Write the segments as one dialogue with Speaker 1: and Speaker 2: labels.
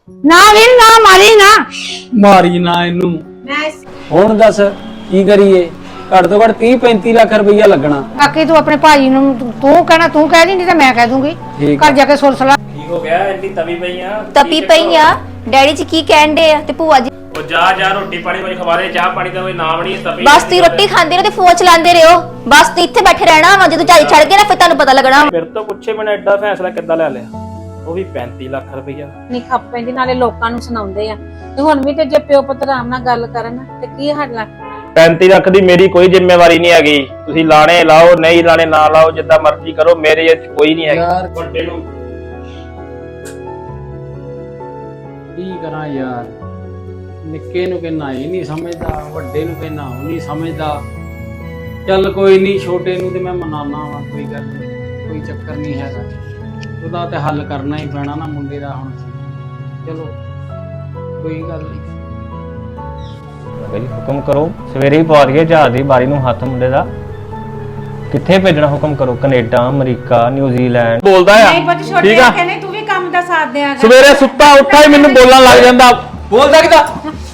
Speaker 1: ਨਾ ਵੀਰ ਨਾ ਮਾਰੀ ਨਾ ਇਹਨੂੰ।
Speaker 2: ਹੁਣ ਦੱਸ ਕੀ ਕਰੀਏ? ਘੱਟ ਤੋਂ ਘੱਟ 30-35 ਲੱਖ ਰੁਪਈਆ ਲੱਗਣਾ।
Speaker 1: ਬਾਕੀ ਤੂੰ ਆਪਣੇ ਭਾਜੀ ਨੂੰ ਤੂੰ ਕਹਿਣਾ ਤੂੰ ਕਹਿ ਦੀ, ਨਹੀਂ ਤੇ ਮੈਂ ਕਹਿ ਦੂੰਗੀ। ਘਰ ਜਾ ਕੇ ਸੁਣ ਸਲਾ।
Speaker 3: ਕੀ ਹੋ ਗਿਆ? ਇੰਨੀ ਤਵੀ
Speaker 4: ਪਈ ਆ ਡੈਡੀ ਜੀ ਕੀ ਕਹਿੰਦੇ ਆ ਤੇ ਭੂਆ ਜੀ
Speaker 3: ਉਹ ਜਾ ਰੋਟੀ ਪਾਣੀ ਕੋਈ ਖਵਾਰੇ, ਚਾਹ ਪਾਣੀ ਦਾ ਕੋਈ ਨਾਮ ਨਹੀਂ। ਤਵੀ
Speaker 4: ਬਸ ਤੁਸੀਂ ਰੋਟੀ ਖਾਂਦੇ ਰਹੋ ਤੇ ਫੋਨ ਚਲਾਉਂਦੇ ਰਹੋ। ਬਸ ਤੁਸੀਂ ਇੱਥੇ ਬੈਠੇ ਰਹਿਣਾ ਵਾ, ਜਦੋਂ ਝਾਈ ਛੱਡ ਕੇ ਨਾ ਫਿਰ ਤੁਹਾਨੂੰ ਪਤਾ ਲੱਗਣਾ।
Speaker 3: ਫਿਰ ਤੋਂ ਪੁੱਛੇ ਮੈਨੇ ਐਡਾ ਫੈਸਲਾ ਕਿੱਦਾਂ ਲੈ ਲਿਆ? ਉਹ ਵੀ 35 ਲੱਖ ਰੁਪਈਆ।
Speaker 5: ਨਹੀਂ ਖੱਪ ਪੈਂਦੀ, ਨਾਲੇ ਲੋਕਾਂ ਨੂੰ ਸੁਣਾਉਂਦੇ ਆ। ਤੇ ਹੁਣ ਵੀ ਤੇ ਜੇ ਪਿਓ ਪੁੱਤ ਆਰਾਮ ਨਾਲ ਗੱਲ ਕਰਨ ਤੇ ਕੀ ਹੱਲ ਆ?
Speaker 3: 35 ਲੱਖ ਦੀ ਮੇਰੀ ਕੋਈ ਜ਼ਿੰਮੇਵਾਰੀ ਨਹੀਂ ਹੈਗੀ। ਤੁਸੀਂ ਲਾਣੇ ਲਾਓ, ਨਹੀਂ ਲਾਣੇ ਨਾ ਲਾਓ, ਜਿੱਦਾਂ ਮਰਜ਼ੀ ਕਰੋ, ਮੇਰੇ ਇਹ ਕੋਈ ਨਹੀਂ ਹੈਗੀ। ਵੱਡੇ ਨੂੰ
Speaker 2: ਕੀ ਕਰਾਂ ਯਾਰ? ਨਿੱਕੇ ਨੂੰ ਕਹਿਣਾ ਇਹ ਨਹੀਂ ਸਮਝਦਾ, ਵੱਡੇ ਨੂੰ ਕਹਿਣਾ ਉਹ ਨਹੀਂ ਸਮਝਦਾ। ਚੱਲ ਕੋਈ ਨਹੀਂ, ਛੋਟੇ ਨੂੰ ਤੇ ਮੈਂ ਮਨਾਨਾ ਵਾ, ਕੋਈ ਗੱਲ ਨਹੀਂ, ਕੋਈ ਚੱਕਰ ਨਹੀਂ ਹੈਗਾ। ਉਹਦਾ ਤੇ ਹੱਲ ਕਰਨਾ ਹੀ ਪੈਣਾ ਨਾ ਮੁੰਡੇ ਦਾ ਹੁਣ। ਚਲੋ ਕੋਈ ਗੱਲ ਨਹੀਂ।
Speaker 6: ਬਈ ਹੁਕਮ ਕਰੋ, ਸਵੇਰੇ ਹੀ ਪਾ ਦਈਏ ਜਹਾਜ਼ ਦੀ ਬਾਰੀ ਨੂੰ ਹੱਥ ਮੁੰਡੇ ਦਾ। ਕਿੱਥੇ ਭੇਜਣਾ? ਹੁਕਮ ਕਰੋ। Canada, America, New Zealand.
Speaker 3: ਬੋਲਦਾ ਆ ਠੀਕ ਆ।
Speaker 5: ਕਹਿੰਦੇ ਤੂੰ ਵੀ ਕੰਮ ਦਾ ਸਾਥ ਦਿਆਂ।
Speaker 3: ਸਵੇਰੇ ਸੁੱਤਾ ਉੱਠਾ ਹੀ ਮੈਨੂੰ ਬੋਲਣ ਲੱਗ ਜਾਂਦਾ।
Speaker 2: ਬੋਲਦਾ ਕਿਦਾ?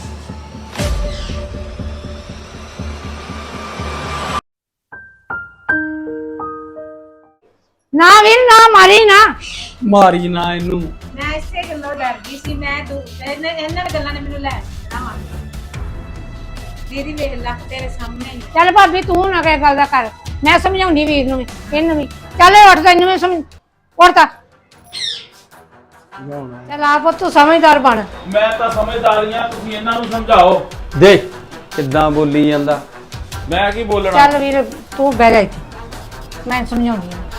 Speaker 1: ਨਾ ਵੀਰ ਨਾ ਮਾਰੀ
Speaker 2: ਨਾ ਇਹਨੂੰ।
Speaker 5: ਮੈਂ ਇਸੇ ਗੱਲੋਂ ਡਰ ਗਈ ਸੀ। ਮੈਂ ਇਹਨਾਂ ਗੱਲਾਂ ਨੇ ਮੈਨੂੰ ਲੈ ਜਾਣਾ। ਦੀਦੀ ਵੇਖ ਲੈ ਤੇਰੇ ਸਾਹਮਣੇ ਹੀ।
Speaker 1: ਚੱਲ ਭਾਬੀ ਤੂੰ ਨਾ ਕਹਿ ਗੱਲ ਦਾ ਕਰ, ਮੈਂ ਸਮਝਾਉਂਦੀ ਵੀਰ ਨੂੰ ਵੀ ਇਹਨੂੰ ਵੀ। ਚੱਲ ਉੱਠ ਤੈਨੂੰ ਵੀ ਸਮਝ ਉੱਠ। ਚੱਲ ਆਪ ਤੂੰ ਸਮਝਦਾਰ ਬਣ।
Speaker 7: ਮੈਂ ਤਾਂ ਸਮਝਦਾਰੀਆਂ, ਤੁਸੀਂ ਇਹਨਾਂ ਨੂੰ ਸਮਝਾਓ।
Speaker 2: ਦੇਖ ਕਿੱਦਾਂ ਬੋਲੀ ਜਾਂਦਾ।
Speaker 7: ਮੈਂ ਕੀ ਬੋਲਣਾ?
Speaker 1: ਚੱਲ ਵੀਰ ਤੂੰ ਬਹਿ ਜਾ ਇੱਥੇ, ਮੈਂ ਸਮਝਾਉਂਦੀ ਹਾਂ।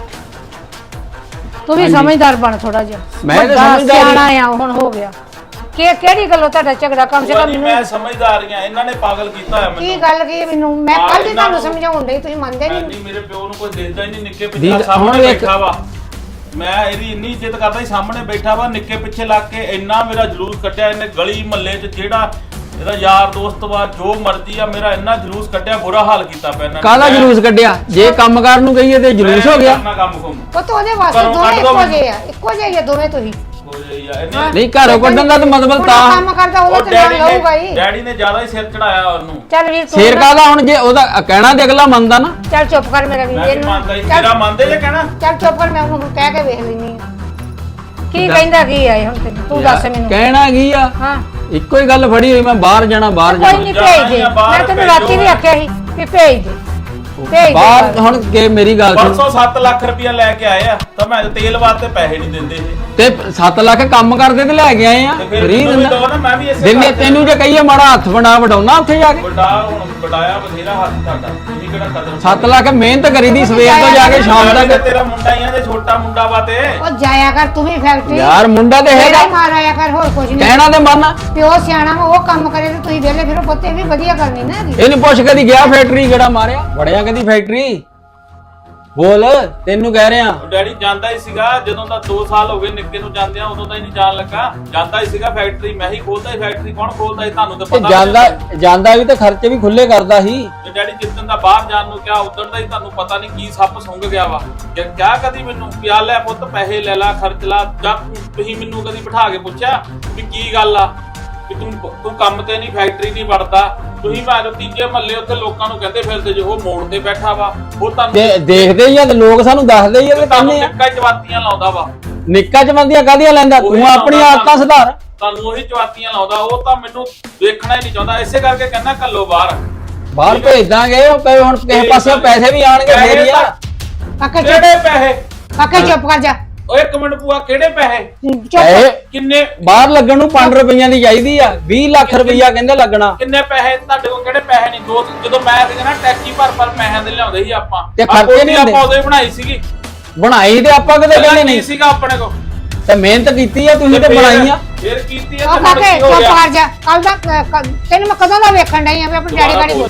Speaker 1: ਤੂੰ ਵੀ ਸਮਝਦਾਰ ਬਣ ਥੋੜਾ ਜਿਹਾ।
Speaker 2: ਮੈਂ ਤਾਂ
Speaker 1: ਵੱਡਾ
Speaker 2: ਸਮਝਦਾਰ
Speaker 1: ਸਿਆਣਾ ਆ ਹੁਣ ਹੋ ਗਿਆ। ਕਿਹੜੀ ਗੱਲੋਂ ਤੁਹਾਡਾ ਝਗੜਾ? ਕਮ ਸੇ ਕਮ
Speaker 7: ਮੈਂ ਸਮਝਦਾਰੀਆਂ, ਇਹਨਾਂ ਨੇ ਪਾਗਲ ਕੀਤਾ ਹੋਇਆ
Speaker 1: ਕੀ
Speaker 7: ਮੈਨੂੰ।
Speaker 1: ਗੱਲ ਕੀ ਮੈਨੂੰ? ਮੈਂ ਕੱਲ ਹੀ ਤੁਹਾਨੂੰ ਸਮਝਾਉਣ ਡਈ, ਤੁਸੀਂ ਮੰਨਦੇ ਨਹੀਂ।
Speaker 7: ਨਹੀਂ, ਮੇਰੇ ਪਿਓ ਨੂੰ ਕੋਈ ਦੇਖਦਾ ਹੀ ਨਹੀਂ। ਨਿੱਕੇ
Speaker 2: ਦੀਦ,
Speaker 7: ਪਿੱਛੇ
Speaker 2: ਹੁਣ
Speaker 7: ਸਾਹਮਣੇ
Speaker 2: ਵੇਖ।
Speaker 7: ਬੈਠਾ ਵਾ। ਮੈਂ ਇਹਦੀ ਇੰਨੀ ਇੱਜ਼ਤ ਕਰਦਾ ਸੀ, ਸਾਹਮਣੇ ਬੈਠਾ ਵਾ, ਨਿੱਕੇ ਪਿੱਛੇ ਲੱਗ ਕੇ ਇੰਨਾ ਮੇਰਾ ਜਲੂਸ ਕੱਢਿਆ ਇਹਨੇ ਗਲੀ ਮਹੱਲੇ 'ਚ। ਜਿਹੜਾ ਇਹਦਾ ਯਾਰ ਦੋਸਤ ਵਾ, ਜੋ ਮਰਜ਼ੀ ਆ, ਮੇਰਾ ਇੰਨਾ ਜਲੂਸ ਕੱਢਿਆ, ਬੁਰਾ ਹਾਲ ਕੀਤਾ ਪਿਆ ਇਹਨਾਂ ਨੇ।
Speaker 2: ਕਾਹਦਾ ਜਲੂਸ ਕੱਢਿਆ? ਜੇ ਕੰਮ ਕਰਨ ਨੂੰ ਕਹੀਏ ਤੇ ਜਲੂਸ ਹੋ ਗਿਆ।
Speaker 7: ਮੈਂ ਕੰਮ ਕੁਮ
Speaker 1: ਪੁੱਤ ਉਹਦੇ ਵਾਸਤੇ
Speaker 7: ਘਰੋਂ
Speaker 1: ਦੋਵੇਂ
Speaker 7: ਕੱਢ ਦਿਓ
Speaker 1: ਇੱਕੋ ਜਿਹੇ ਆ, ਇੱਕੋ ਜਿਹੇ ਆ ਦੋਵੇਂ ਤੁਸੀਂ।
Speaker 7: ਹੋ ਜਾਈ ਆ ਇਹਨੇ।
Speaker 2: ਨਹੀਂ ਘਰੋਂ ਕੱਢਣ ਦਾ ਤਾਂ ਮਤਲਬ
Speaker 1: ਹੁਣ
Speaker 2: ਤਾਂ
Speaker 1: ਕੰਮ ਕਰਦਾ ਉਹਦਾ
Speaker 7: ਉਹ
Speaker 1: ਤੇ ਨਾਲ ਲਊਗਾ ਹੀ।
Speaker 7: ਡੈਡੀ ਨੇ ਜ਼ਿਆਦਾ ਹੀ ਸਿਰ ਚੜਾਇਆ ਉਹਨੂੰ।
Speaker 1: ਚੱਲ ਵੀਰ ਤੂੰ
Speaker 2: ਸ਼ੇਰ ਕਾਹਦਾ? ਹੁਣ ਜੇ ਉਹਦਾ ਕਹਿਣਾ ਤੇ ਅਗਲਾ ਮੰਨਦਾ ਨਾ।
Speaker 1: ਚੱਲ ਚੁੱਪ ਕਰ ਮੇਰਾ ਵੀਰ।
Speaker 7: ਮੈਂ ਵੀ ਮੰਨਦਾ ਹੀ,
Speaker 1: ਚੱਲ
Speaker 7: ਤੇਰਾ ਮੰਨਦੇ ਜੇ ਕਹਿਣਾ।
Speaker 1: ਚੱਲ ਚੁੱਪ ਕਰ, ਮੈਂ ਉਹਨੂੰ ਕਹਿ ਕੇ ਵੇਖ ਲੈਣੀ ਆ ਕੀ ਕਹਿੰਦਾ ਕੀ ਆਏ ਹੁਣ ਤੈਨੂੰ। ਤੂੰ ਦੱਸ ਮੈਨੂੰ।
Speaker 2: ਕਹਿਣਾ ਕੀ ਆ?
Speaker 1: ਹਾਂ
Speaker 2: ਇੱਕੋ ਹੀ ਗੱਲ ਫੜੀ ਹੋਈ, ਮੈਂ ਬਾਹਰ ਜਾਣਾ ਬਾਹਰ
Speaker 1: ਕੋਈ
Speaker 2: ਜਾਣਾ।
Speaker 1: ਨਹੀਂ
Speaker 7: ਜਾਣਾ
Speaker 1: ਭੇਜ ਦੇ।
Speaker 7: ਹੀ ਆ, ਬਾਹਰ
Speaker 1: ਮੈਂ ਤੈਨੂੰ
Speaker 7: ਭੇਜੋ।
Speaker 1: ਰਾਤੀ ਵੀ ਆਖਿਆ ਸੀ ਕਿ ਭੇਜ ਦੇ, ਭੇਜ ਦੇ
Speaker 2: ਬਾਹਰ ਹੁਣ ਕੇ ਮੇਰੀ ਗੱਲ ਸੁਣ।
Speaker 7: ਪਰਸੋਂ 7 ਲੱਖ ਰੁਪਇਆ ਲੈ ਕੇ ਆਏ ਆ, ਤਾਂ ਮੈਂ ਤੇਲ ਵਾਸਤੇ ਪੈਸੇ ਨਹੀਂ ਦਿੰਦੇ ਇਹ।
Speaker 2: ਤੇ 7 ਲੱਖ ਕੰਮ ਕਰਦੇ ਤੇ ਲੈ ਕੇ ਆਏ ਆ।
Speaker 7: ਤੇ ਫਿਰ
Speaker 2: ਫਰੀ
Speaker 7: ਮੈਨੂੰ ਵੀ
Speaker 2: ਦਿੰਦਾ
Speaker 7: ਦਿਓ ਨਾ, ਮੈਂ ਵੀ ਇਸੇ
Speaker 2: ਦਿਨੇ।
Speaker 7: ਘਰ 'ਚ-
Speaker 2: ਤੈਨੂੰ ਜੇ ਕਹੀਏ ਮਾੜਾ ਹੱਥ ਬਣਾ ਵਡਾਉਣਾ ਉੱਥੇ ਜਾ ਕੇ।
Speaker 7: ਵੱਡਾ ਹੁਣ ਵਡਾਇਆ ਬਥੇਰਾ ਹੱਥ ਤੁਹਾਡਾ, ਤੁਸੀਂ ਕਿਹੜਾ ਕਦਰ
Speaker 2: 7 ਲੱਖ ਮਿਹਨਤ ਕਰੀਦੀ ਸਵੇਰ ਤੋਂ ਜਾ ਕੇ ਸ਼ਾਮ
Speaker 7: ਮੈਂ ਵੀ
Speaker 2: ਤੱਕ।
Speaker 7: ਤੇਰਾ ਮੁੰਡਾ ਹੀ ਆ ਤੇ ਛੋਟਾ ਮੁੰਡਾ ਵਾ ਤੇ।
Speaker 1: ਉਹ ਜਾਇਆ ਕਰ ਤੂੰ ਵੀ ਫੈਕਟਰੀ।
Speaker 2: ਯਾਰ ਮੁੰਡਾ ਤੇ ਹੈਗਾ,
Speaker 1: ਮਾਰ ਆਇਆ ਕਰ, ਹੋਰ ਕੁਝ ਨਹੀਂ।
Speaker 2: ਕਹਿਣਾ ਤੇ ਮੰਨ।
Speaker 1: ਪਿਓ ਸਿਆਣਾ ਵਾ, ਉਹ ਕੰਮ ਕਰੇ ਤੇ ਤੁਸੀਂ ਵਿਹਲੇ ਫਿਰੋ। ਪੁੱਤੇ ਵੀ ਵਧੀਆ ਕਰਨੀ ਨਾ ਇਹਦੀ।
Speaker 2: ਇਹਨੂੰ ਪੁੱਛ ਕਦੀ ਗਿਆ ਫੈਕਟਰੀ ਕਿਹੜਾ ਮਾਰਿਆ? ਵੜਿਆ ਕਦੀ ਫੈਕਟਰੀ? ਬੋਲ, ਤੈਨੂੰ ਕਹਿ ਰਿਹਾ।
Speaker 7: ਉਹ ਡੈਡੀ ਜਾਂਦਾ ਹੀ ਸੀਗਾ, ਜਦੋਂ ਦਾ 2 ਸਾਲ ਹੋ ਗਏ ਨਿੱਕੇ ਨੂੰ ਜਾਂਦਿਆਂ, ਉਦੋਂ ਤਾਂ ਹੀ ਨਹੀਂ ਜਾਣ ਲੱਗਾ। ਜਾਂਦਾ ਹੀ ਸੀਗਾ ਫੈਕਟਰੀ, ਮੈਂ ਹੀ ਖੋਲਦਾ ਹੀ ਫੈਕਟਰੀ। ਕੌਣ ਖੋਲਦਾ ਸੀ ਤੁਹਾਨੂੰ ਤਾਂ
Speaker 2: ਤੇ
Speaker 7: ਪਤਾ।
Speaker 2: ਜਾਂਦਾ ਵੀ ਤੇ ਖਰਚੇ ਵੀ ਖੁੱਲੇ ਕਰਦਾ ਸੀ।
Speaker 7: ਤੇ ਡੈਡੀ ਜਿੱਦਣ ਦਾ ਬਾਹਰ ਜਾਣ ਨੂੰ ਕਿਹਾ, ਉਦੋਂ ਦਾ ਹੀ ਤੁਹਾਨੂੰ ਪਤਾ ਨਹੀਂ ਕੀ ਸੱਪ ਸੁੰਘ ਗਿਆ ਵਾ। ਕਿਹਾ ਕਦੀ ਮੈਨੂੰ ਪਿਆ ਲੈ ਪੁੱਤ, ਪੈਸੇ ਲੈ ਲਾ, ਖਰਚ ਲਾ? ਜਦ ਤੁਸੀਂ ਮੈਨੂੰ ਕਦੀ ਬਿਠਾ ਕੇ ਪੁੱਛਿਆ ਵੀ ਕੀ ਗੱਲ ਆ, ਕਿ ਤੂੰ ਕੰਮ ਤੇ ਨਹੀਂ, ਫੈਕਟਰੀ ਨਹੀਂ ਵੜਦਾ? ਤੁਸੀਂ ਭਾਵੇਂ ਤੀਜੇ ਮਹੱਲੇ ਉੱਥੇ ਲੋਕਾਂ ਨੂੰ ਕਹਿੰਦੇ ਫਿਰਦੇ ਜੇ ਉਹ ਮੋੜ ਤੇ ਬੈਠਾ ਵਾ, ਉਹ ਤੁਹਾਨੂੰ
Speaker 2: ਦੇਖਦੇ ਹੀ ਆ ਤੇ ਲੋਕ ਸਾਨੂੰ ਦੱਸਦੇ ਹੀ ਆ ਤੇ
Speaker 7: ਤੁਹਾਨੂੰ
Speaker 2: ਕਹਿੰਦੇ ਆ।
Speaker 7: ਨਿੱਕਾ ਚਵਾਤੀਆਂ ਲਾਉਂਦਾ ਵਾ।
Speaker 2: ਨਿੱਕਾ ਚਮੰਦੀਆਂ ਕਾਹਦੀਆਂ ਲੈਂਦਾ?
Speaker 7: ਉਹੀ
Speaker 2: ਤੂੰ ਆਪਣੀ
Speaker 7: ਲਾਉਂਦਾ
Speaker 2: ਆਦਤਾਂ ਸੁਧਾਰ।
Speaker 7: ਤੁਹਾਨੂੰ ਉਹੀ ਚਵਾਤੀਆਂ ਲਾਉਂਦਾ। ਉਹ ਤਾਂ ਮੈਨੂੰ ਦੇਖਣਾ ਹੀ ਨਹੀਂ ਚਾਹੁੰਦਾ, ਇਸੇ ਕਰਕੇ ਕਹਿੰਦਾ ਕੱਲੋ ਬਾਹਰ।
Speaker 2: ਬਾਹਰ ਭੇਜ ਦਾਂਗੇ, ਉਹ ਕਹੇ ਹੁਣ ਕਿਸੇ ਪਾਸੇ ਪੈਸੇ ਵੀ ਆਣਗੇ ਫੇਰ ਹੀ ਆ।
Speaker 1: ਕਾਕੇ
Speaker 7: ਕਿਹੜੇ ਪੈਸੇ?
Speaker 1: ਕਾਕੇ ਚੁੱਪ ਕਰ ਜਾ।
Speaker 7: ਓਏ ਇੱਕ ਮਿੰਟ ਭੂਆ, ਕਿਹੜੇ ਪੈਸੇ?
Speaker 2: ਪੈਸੇ
Speaker 7: ਕਿੰਨੇ
Speaker 2: ਬਾਹਰ ਲੱਗਣ ਨੂੰ 5 ਰੁਪਈਆਂ ਦੀ ਚਾਹੀਦੀ ਆ। 20 ਲੱਖ ਰੁਪਈਆ ਕਹਿੰਦੇ ਲੱਗਣਾ।
Speaker 7: ਕਿੰਨੇ ਪੈਸੇ ਤੁਹਾਡੇ ਕੋਲ? ਕਿਹੜੇ ਪੈਸੇ ਨਹੀਂ? ਜਦੋਂ ਮੈਂ ਸੀਗਾ ਨਾ ਟੈਕਸੀ ਭਰ ਪੈਸਿਆਂ ਦੇ ਲਿਆਉਂਦੇ ਸੀ ਆਪਾਂ।
Speaker 2: ਤੇ ਖਰਚੇ ਨਹੀਂ ਹੁੰਦੇ।
Speaker 7: ਆਪਾਂ ਉਦੋਂ ਹੀ ਬਣਾਈ ਸੀਗੀ।
Speaker 2: ਬਣਾਈ ਤੇ ਆਪਾਂ ਕਿਤੇ ਕਹਿੰਦੇ ਨਹੀਂ
Speaker 7: ਸੀਗਾ ਆਪਣੇ ਕੋਲ।
Speaker 2: ਤੇ ਮਿਹਨਤ ਕੀਤੀ ਆ ਤੁਸੀਂ ਤੇ ਬਣਾਈਆਂ।
Speaker 7: ਫਿਰ ਕੀਤੀ ਆ
Speaker 1: ਉਹ
Speaker 7: ਤੇ
Speaker 1: ਕਾਕੇ
Speaker 7: ਕੀ ਹੋ
Speaker 1: ਚੁੱਪ
Speaker 7: ਗਿਆ?
Speaker 1: ਕਰ ਜਾ। ਕੱਲ ਦਾ ਤੈਨੂੰ ਮੈਂ ਕਦੋਂ ਦਾ ਵੇਖਣ ਡਈ ਆ ਵੀ ਆਪਣੇ ਡੈਡੀ ਗਾੜੀ।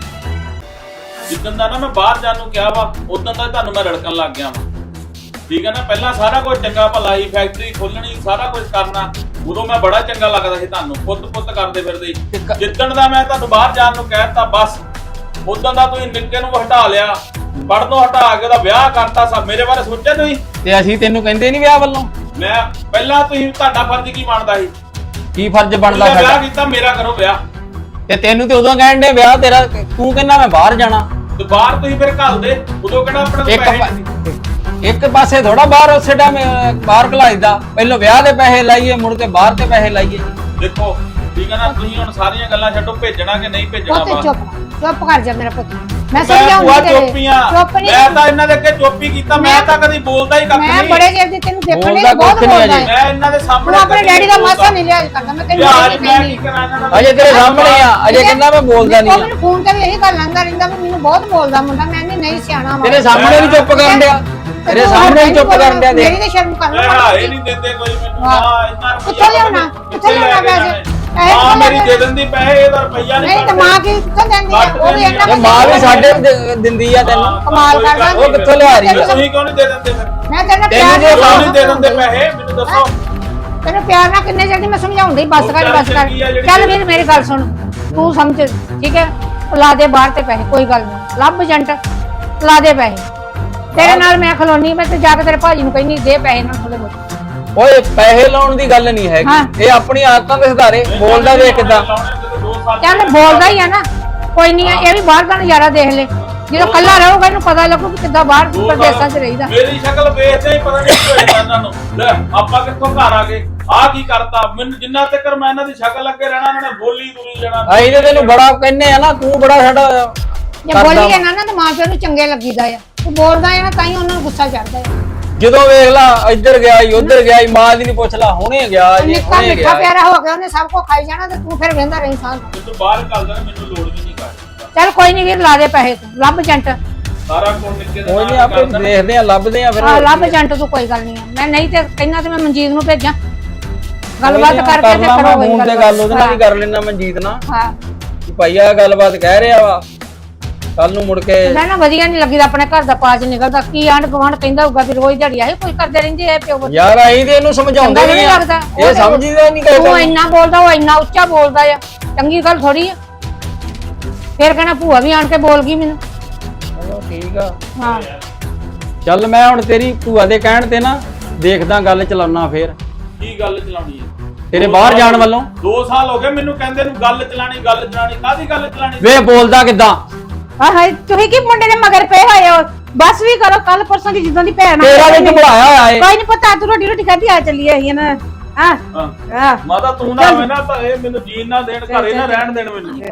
Speaker 7: ਜਿੱਦਣ ਦਾ ਨਾ ਮੈਂ ਬਾਹਰ ਜਾਣ ਨੂੰ ਕਿਹਾ ਵਾ, ਉਦੋਂ ਦਾ ਤੁਹਾਨੂੰ ਮੈਂ ਰੜਕਣ ਲੱਗ ਗਿਆ ਵਾ। ਠੀਕ ਹੈ ਨਾ? ਪਹਿਲਾਂ ਸਾਰਾ ਕੁਝ ਚੰਗਾ ਭਲਾ ਹੀ, ਫੈਕਟਰੀ ਖੋਲਣੀ, ਸਾਰਾ ਕੁਝ ਕਰਨਾ, ਉਦੋਂ ਮੈਂ ਬੜਾ ਚੰਗਾ ਲੱਗਦਾ ਸੀ ਤੁਹਾਨੂੰ, ਪੁੱਤ ਕਰਦੇ ਫਿਰਦੇ। ਜਿੱਦਣ ਦਾ ਮੈਂ ਤੁਹਾਨੂੰ ਬਾਹਰ ਜਾਣ ਨੂੰ ਕਹਿਤਾ, ਬਸ ਉਦੋਂ ਦਾ ਤੁਸੀਂ ਨਿੱਕੇ ਨੂੰ ਹਟਾ ਲਿਆ, ਪੜ੍ਹਨੋਂ ਹਟਾ ਕੇ ਉਹਦਾ ਵਿਆਹ ਕਰਤਾ। ਸਭ ਮੇਰੇ ਬਾਰੇ ਸੋਚਿਆ ਤੁਸੀਂ?
Speaker 2: ਤੇ ਅਸੀਂ ਤੈਨੂੰ ਕਹਿੰਦੇ ਨਹੀਂ ਵਿਆਹ ਵੱਲੋਂ।
Speaker 7: ਮੈਂ ਪਹਿਲਾਂ ਤੁਸੀਂ, ਤੁਹਾਡਾ ਫਰਜ਼ ਕੀ ਬਣਦਾ ਸੀ?
Speaker 2: ਕੀ ਫਰਜ਼ ਬਣਦਾ
Speaker 7: ਤੁਸੀਂ ਵਿਆਹ
Speaker 2: ਸਾਡਾ?
Speaker 7: ਕੀਤਾ, ਮੇਰਾ ਕਰੋ ਵਿਆਹ।
Speaker 2: ਤੇ ਤੈਨੂੰ ਤੇ ਉਦੋਂ ਕਹਿਣ ਦੇ ਵਿਆਹ ਤੇਰਾ, ਤੂੰ ਕਹਿੰਦਾ ਮੈਂ ਬਾਹਰ ਜਾਣਾ।
Speaker 7: ਤੇ ਬਾਹਰ ਤੁਸੀਂ ਫਿਰ ਘੱਲ ਦੇ, ਉਦੋਂ ਕਿਹੜਾ ਆਪਣੇ ਕੋਲ
Speaker 2: ਇੱਕ
Speaker 7: ਪੈਸੇ ਨਹੀਂ ਸੀ।
Speaker 2: ਇੱਕ ਪਾਸੇ ਥੋੜਾ ਬਾਹਰ ਉਸੇ ਟਾਈਮ ਬਾਹਰ ਘਲਾਈਦਾ, ਪਹਿਲਾਂ ਵਿਆਹ ਦੇ ਪੈਸੇ ਲਾਈਏ ਮੁੜ ਕੇ ਬਾਹਰ ਤੇ ਪੈਸੇ ਲਾਈਏ।
Speaker 7: ਦੇਖੋ ਠੀਕ ਹੈ ਨਾ, ਤੁਸੀਂ ਹੁਣ ਸਾਰੀਆਂ ਗੱਲਾਂ ਛੱਡੋ, ਭੇਜਣਾ ਕਿ ਨਹੀਂ ਭੇਜਣਾ
Speaker 1: ਪੁੱਤ
Speaker 7: ਬਾਹਰ।
Speaker 1: ਚੁੱਪ ਕਰ ਜਾ ਮੇਰਾ ਪੁੱਤ। ਮੈਂ
Speaker 7: ਮੈਂ ਭੂਆ
Speaker 1: ਸਮਝਾਉਂਦੀ ਤੇਰੇ
Speaker 7: ਚੁੱਪੀਆਂ,
Speaker 1: ਚੁੱਪ ਨਹੀਂ
Speaker 7: ਮੈਂ ਤਾਂ ਇਹਨਾਂ ਦੇ ਅੱਗੇ ਚੁੱਪ ਹੀ ਕੀਤਾ, ਮੈਂ ਤਾਂ ਕਦੀ ਬੋਲਦਾ ਹੀ ਕੱਖ
Speaker 1: ਮੈਂ
Speaker 7: ਨਹੀਂ।
Speaker 1: ਬੜੇ ਚਿਰ ਦੀ ਤੈਨੂੰ ਦੇਖਣ
Speaker 2: ਬੋਲਦਾ
Speaker 1: ਲਈ ਬਹੁਤ
Speaker 2: ਕੁਛ ਨਹੀਂ
Speaker 1: ਬੋਲਦਾ
Speaker 2: ਅਜੇ।
Speaker 1: ਹੈ।
Speaker 7: ਮੈਂ ਇਹਨਾਂ ਦੇ ਸਾਹਮਣੇ
Speaker 1: ਤੂੰ ਆਪਣੇ
Speaker 7: ਕਦੀ
Speaker 1: ਡੈਡੀ ਦਾ
Speaker 7: ਬੋਲਦਾ।
Speaker 1: ਮਾਸਾ ਨਹੀਂ ਲਿਆ ਕਰਦਾ। ਮੈਂ ਤੈਨੂੰ
Speaker 7: ਯਾਰ
Speaker 1: ਨਹੀਂ
Speaker 7: ਮੈਂ
Speaker 1: ਕਹਿੰਦੀ
Speaker 7: ਕੀ ਕਰਾਂ ਇਹਨਾਂ ਦਾ?
Speaker 2: ਅਜੇ ਤੇਰੇ ਸਾਹਮਣੇ ਆ, ਅਜੇ ਕਹਿੰਦਾ ਮੈਂ ਬੋਲਦਾ ਨਹੀਂ
Speaker 1: ਉਹ
Speaker 2: ਆ।
Speaker 1: ਮੈਨੂੰ ਫੋਨ ਤੇ ਵੀ ਇਹੀ ਗੱਲ ਆਂਦਾ ਰਹਿੰਦਾ ਵੀ ਮੈਨੂੰ ਬਹੁਤ ਬੋਲਦਾ ਮੁੰਡਾ। ਮੈਂ ਨਹੀਂ ਸਿਆਣਾ ਵਾ।
Speaker 2: ਤੇਰੇ ਸਾਹਮਣੇ ਵੀ ਚੁੱਪ ਕਰਨ ਡਿਆ, ਤੇਰੇ ਸਾਹਮਣੇ ਵੀ ਚੁੱਪ ਕਰਨ ਡਿਆ।
Speaker 1: ਮੇਰੀ
Speaker 2: ਦੇਖ
Speaker 1: ਤੇ ਸ਼ਰਮ ਕਰ
Speaker 7: ਮੈਂ
Speaker 1: ਲਓ।
Speaker 7: ਹਾਏ ਨਹੀਂ ਦਿੰਦੇ ਕੋਈ ਮੈਨੂੰ।
Speaker 1: ਵਾਹ।
Speaker 7: ਹਾਂ ਇੰਨਾ ਰੁਪਈਆ
Speaker 1: ਕਿੱਥੋਂ ਲਿਆਉਣਾ? ਕਿੱਥੋਂ ਲਿਆਉਣਾ ਪੈਸੇ? ਪੈਸੇ
Speaker 7: ਹਾਂ
Speaker 1: ਕਿੱਥੋਂ
Speaker 7: ਮੇਰੀ
Speaker 1: ਲਿਆਉਣੇ?
Speaker 7: ਦੇ ਦਿੰਦੀ ਪੈਸੇ, ਇਹਦਾ ਰੁਪਈਆ ਨਹੀਂ
Speaker 1: ਨਹੀਂ ਤੇ ਮਾਂ ਕੀ ਕਿੱਥੋਂ ਦਿੰਦੀ ਆ? ਉਹ ਵੀ ਇਹਨਾਂ
Speaker 2: ਤੇ ਮਾਂ ਵੀ ਸਾਡੇ ਦਿੰਦੀ ਆ ਤੈਨੂੰ।
Speaker 1: ਕਮਾਲ ਕਰਦਾ।
Speaker 2: ਉਹ ਕਿੱਥੋਂ ਲਿਆ ਰਹੀ ਆ?
Speaker 7: ਤੁਸੀਂ ਕਿਉਂ ਨਹੀਂ ਦੇ ਦਿੰਦੇ ਫਿਰ?
Speaker 1: ਮੈਂ ਤੇਰੇ ਨਾਲ
Speaker 2: ਤੈਨੂੰ
Speaker 1: ਪਿਆਰ
Speaker 2: ਜੇ
Speaker 7: ਕਿਉਂ
Speaker 1: ਨਾਲ
Speaker 7: ਨਹੀਂ ਦੇ ਦਿੰਦੇ ਪੈਸੇ ਮੈਨੂੰ ਦੱਸੋ।
Speaker 1: ਤੈਨੂੰ ਪਿਆਰ ਨਾਲ ਕਿੰਨੇ ਚਿਰ ਦੀ ਮੈਂ ਸਮਝਾਉਂਦੀ ਬਸ
Speaker 7: ਉਹ
Speaker 1: ਕਰ
Speaker 7: ਗੱਲ
Speaker 1: ਬਸ ਕਰ।
Speaker 7: ਚੰਗੀ ਆ ਜਿਹੜੀ
Speaker 1: ਚੱਲ ਵੀਰ ਮੇਰੀ ਗੱਲ ਸੁਣ, ਤੂੰ ਸਮਝ ਠੀਕ ਹੈ। ਲਾ ਦੇ ਬਾਹਰ ਤੇ ਪੈਸੇ, ਕੋਈ ਗੱਲ ਨਹੀਂ। ਲੱਭ ਏਜੰਟ, ਲਾ ਦੇ ਪੈਸੇ। ਤੇਰੇ ਨਾਲ ਮੈਂ ਖਲੋਨੀ, ਮੈਂ ਤੇ ਜਾ ਕੇ ਤੇਰੇ ਭਾਜੀ ਨੂੰ ਕਹਿੰਦੀ ਦੇ ਪੈਸੇ ਨਾਲ ਥੋੜੇ ਬਹੁਤ।
Speaker 2: ਓਏ ਪੈਸੇ ਲਾਉਣ ਦੀ ਗੱਲ ਨਹੀਂ
Speaker 1: ਹਾਂ।
Speaker 2: ਹੈਗੀ, ਇਹ ਆਪਣੀ ਆਦਤਾਂ ਦੇ ਸੁਧਾਰੇ। ਬੋਲਦਾ ਵੇਖ ਕਿੱਦਾਂ।
Speaker 1: ਚੱਲ ਬੋਲਦਾ ਹੀ ਆ ਨਾ, ਕੋਈ ਨਹੀਂ ਇਹ ਵੀ ਬਾਹਰ ਦਾ ਨਜ਼ਾਰਾ ਦੇਖ ਲੈ। ਜਦੋਂ ਕੱਲਾ ਰਹੂਗਾ ਇਹਨੂੰ ਪਤਾ ਲੱਗੂ ਕਿ ਕਿੱਦਾਂ ਬਾਹਰ ਪ੍ਰਦੇਸ਼ਾਂ 'ਚ ਰਹੀਦਾ।
Speaker 7: ਮੇਰੀ ਸ਼ਕਲ ਵੇਖਦੇ ਹੀ ਪਤਾ ਨਹੀਂ ਕੀ ਹੋਇਆ ਇਹਨਾਂ ਨੂੰ। ਲੈ ਆਪਾਂ ਕਿੱਥੋਂ ਘਰ ਆ ਗਏ, ਆ ਕੀ ਕਰਤਾ ਮੈਨੂੰ? ਜਿੰਨਾ ਤੱਕ ਮੈਂ ਇਹਨਾਂ ਦੀ ਸ਼ਕਲ ਅੱਗੇ ਰਹਿਣਾ, ਇਹਨਾਂ ਨੇ ਬੋਲੀ ਤੁਰੀ ਜਾਣਾ।
Speaker 2: ਅਸੀਂ ਤੇ ਤੈਨੂੰ ਬੜਾ ਕਹਿੰਨੇ ਆ ਨਾ, ਤੂੰ ਬੜਾ ਸਾਡਾ
Speaker 1: ਜੇ
Speaker 2: ਕਰਦਾ
Speaker 1: ਬੋਲੀਏ
Speaker 2: ਵਾ।
Speaker 1: ਨਾ ਤਾਂ ਮਾਂ ਪਿਓ ਨੂੰ ਚੰਗੇ ਲੱਗੀਦਾ ਆ। ਤੂੰ ਬੋਲਦਾ ਆ ਨਾ ਤਾਂ ਹੀ ਉਹਨਾਂ ਨੂੰ ਗੁੱਸਾ ਚੜਦਾ ਆ।
Speaker 2: ਜਦੋਂ ਵੇਖ ਲਾ ਇੱਧਰ ਗਿਆ ਈ ਉੱਧਰ ਗਿਆ ਈ, ਮਾਂ ਦੀ ਨਹੀਂ ਪੁੱਛ ਲਾ, ਹੁਣੇ ਗਿਆ ਜੀ
Speaker 1: ਨਿੱਕਾ
Speaker 2: ਹੁਣੇ
Speaker 1: ਮਿੱਠਾ
Speaker 2: ਗਿਆ।
Speaker 1: ਪਿਆਰਾ ਹੋ ਗਿਆ, ਉਹਨੇ ਸਭ ਕੁਝ ਖਾਈ ਜਾਣਾ ਤੇ ਤੂੰ ਫਿਰ ਵੇਂਦਾ ਰਹੀ ਸਾਂ।
Speaker 7: ਮੈਨੂੰ ਬਾਹਰ ਘੱਲ ਦੇਣਾ, ਮੈਨੂੰ ਲੋੜ ਵੀ ਨਹੀਂ ਕਰ।
Speaker 1: ਚੱਲ ਕੋਈ ਨਹੀਂ ਵੀਰ, ਲਾ ਦੇ ਪੈਸੇ ਤੂੰ। ਲੱਭ ਏਜੰਟ,
Speaker 7: ਸਾਰਾ ਕੁਝ ਨਿੱਕੇ ਦੇ
Speaker 2: ਕੋਈ ਨਹੀਂ
Speaker 7: ਨਾਲ
Speaker 2: ਆਪੇ
Speaker 7: ਕਰ ਦੇਣਾ।
Speaker 2: ਦੇਖਦੇ ਆ, ਲੱਭਦੇ ਆ ਫਿਰ।
Speaker 1: ਆ ਲੱਭ ਏਜੰਟ ਤੂੰ, ਕੋਈ ਗੱਲ ਨਹੀਂ ਆ। ਮੈਂ ਨਹੀਂ ਤੇ ਕਹਿੰਦਾ ਤੇ ਮੈਂ ਮਨਜੀਤ ਨੂੰ ਭੇਜਾਂ, ਗੱਲਬਾਤ ਕਰਕੇ ਤੇ
Speaker 2: ਕਰਨਾ ਮੈਂ
Speaker 1: ਕਰੋ
Speaker 2: ਫੋਨ ਤੇ ਗੱਲ ਉਹਦੇ ਨਾਲ ਵੀ ਕਰ ਲੈਣਾ ਮਨਜੀਤ ਨਾਲ
Speaker 1: ਹਾਂ।
Speaker 2: ਕਿ ਭਾਈ ਆ ਗੱਲਬਾਤ ਕਹਿ ਰਿਹਾ ਵਾ, ਕੱਲ ਨੂੰ ਮੁੜ ਕੇ
Speaker 1: ਮੈਂ ਨਾ ਵਧੀਆ ਨਹੀਂ ਲੱਗੀਦਾ ਆਪਣੇ ਘਰ ਦਾ ਪਾਜ ਨਿਕਲਦਾ। ਕੀ ਆਂਢ ਗੁਆਂਢ ਕਹਿੰਦਾ ਹੋਊਗਾ ਵੀ ਰੋਜ਼ ਦਿਹਾੜੀ ਆਏ ਕੋਈ ਕਰਦੇ ਰਹਿੰਦੇ ਆ ਪਿਓ ਬੱਚੇ।
Speaker 2: ਯਾਰ ਆਈ ਤੇ ਇਹਨੂੰ ਸਮਝਾਉਂਦੇ
Speaker 1: ਚੰਗਾ
Speaker 2: ਨਹੀਂ
Speaker 1: ਨਹੀਂ
Speaker 2: ਆ,
Speaker 1: ਲੱਗਦਾ।
Speaker 2: ਇਹ ਸਮਝਦਾ ਨਹੀਂ
Speaker 1: ਤੂੰ
Speaker 2: ਕਹਿੰਦਾ।
Speaker 1: ਇੰਨਾ ਬੋਲਦਾ, ਉਹ ਇੰਨਾ ਉੱਚਾ ਬੋਲਦਾ ਆ, ਚੰਗੀ ਗੱਲ ਥੋੜੀ ਆ। ਫਿਰ ਕਹਿਣਾ ਭੂਆ ਵੀ ਆਣ ਕੇ ਬੋਲ ਗਈ ਮੈਨੂੰ।
Speaker 2: ਚਲੋ ਠੀਕ ਆ,
Speaker 1: ਹਾਂ
Speaker 2: ਚੱਲ ਮੈਂ ਹੁਣ ਤੇਰੀ ਭੂਆ ਦੇ ਕਹਿਣ ਤੇ ਨਾ ਦੇਖਦਾ ਗੱਲ ਚਲਾਉਣਾ ਫੇਰ
Speaker 7: ਕੀ ਗੱਲ ਚਲਾਉਣੀ ਹੈ
Speaker 2: ਤੇਰੇ ਬਾਹਰ ਜਾਣ ਵੱਲੋਂ।
Speaker 7: 2 ਸਾਲ ਹੋ ਗਏ ਮੈਨੂੰ ਕਹਿੰਦੇ ਨੂੰ ਗੱਲ ਚਲਾਣੀ, ਗੱਲ ਚਲਾਣੀ। ਕਾਹਦੀ ਗੱਲ ਚਲਾਣੀ?
Speaker 2: ਵੇ ਬੋਲਦਾ ਕਿੱਦਾਂ?
Speaker 1: ਹਾਏ ਤੁਸੀਂ ਕੀ ਮੁੰਡੇ ਦੇ ਮਗਰ ਪਏ ਹੋਏ ਹੋ? ਬਸ ਵੀ ਕਰੋ, ਕੱਲ ਪਰਸੋਂ ਦੀ ਜਿੱਦਾਂ ਦੀ ਭੈਣ
Speaker 2: ਤੇਰਾ ਵੀ ਘਬਰਾਇਆ ਹੋਇਆ ਏ।
Speaker 1: ਕੋਈ ਨਹੀਂ ਪਤਾ, ਤੂੰ ਰੋਟੀ ਖਾਦੀ ਆ ਚੱਲੀਏ ਅਸੀਂ ਨਾ। ਹਾਂ
Speaker 7: ਹਾਂ
Speaker 1: ਹਾਂ
Speaker 7: ਮਾਤਾ ਤੂੰ ਨਾ ਆਵੇਂ ਨਾ ਤਾਂ ਇਹ ਮੈਨੂੰ ਜੀਣ ਨਾ ਦੇਣ, ਘਰੇ ਨਾ ਰਹਿਣ ਦੇਣ ਮੈਨੂੰ।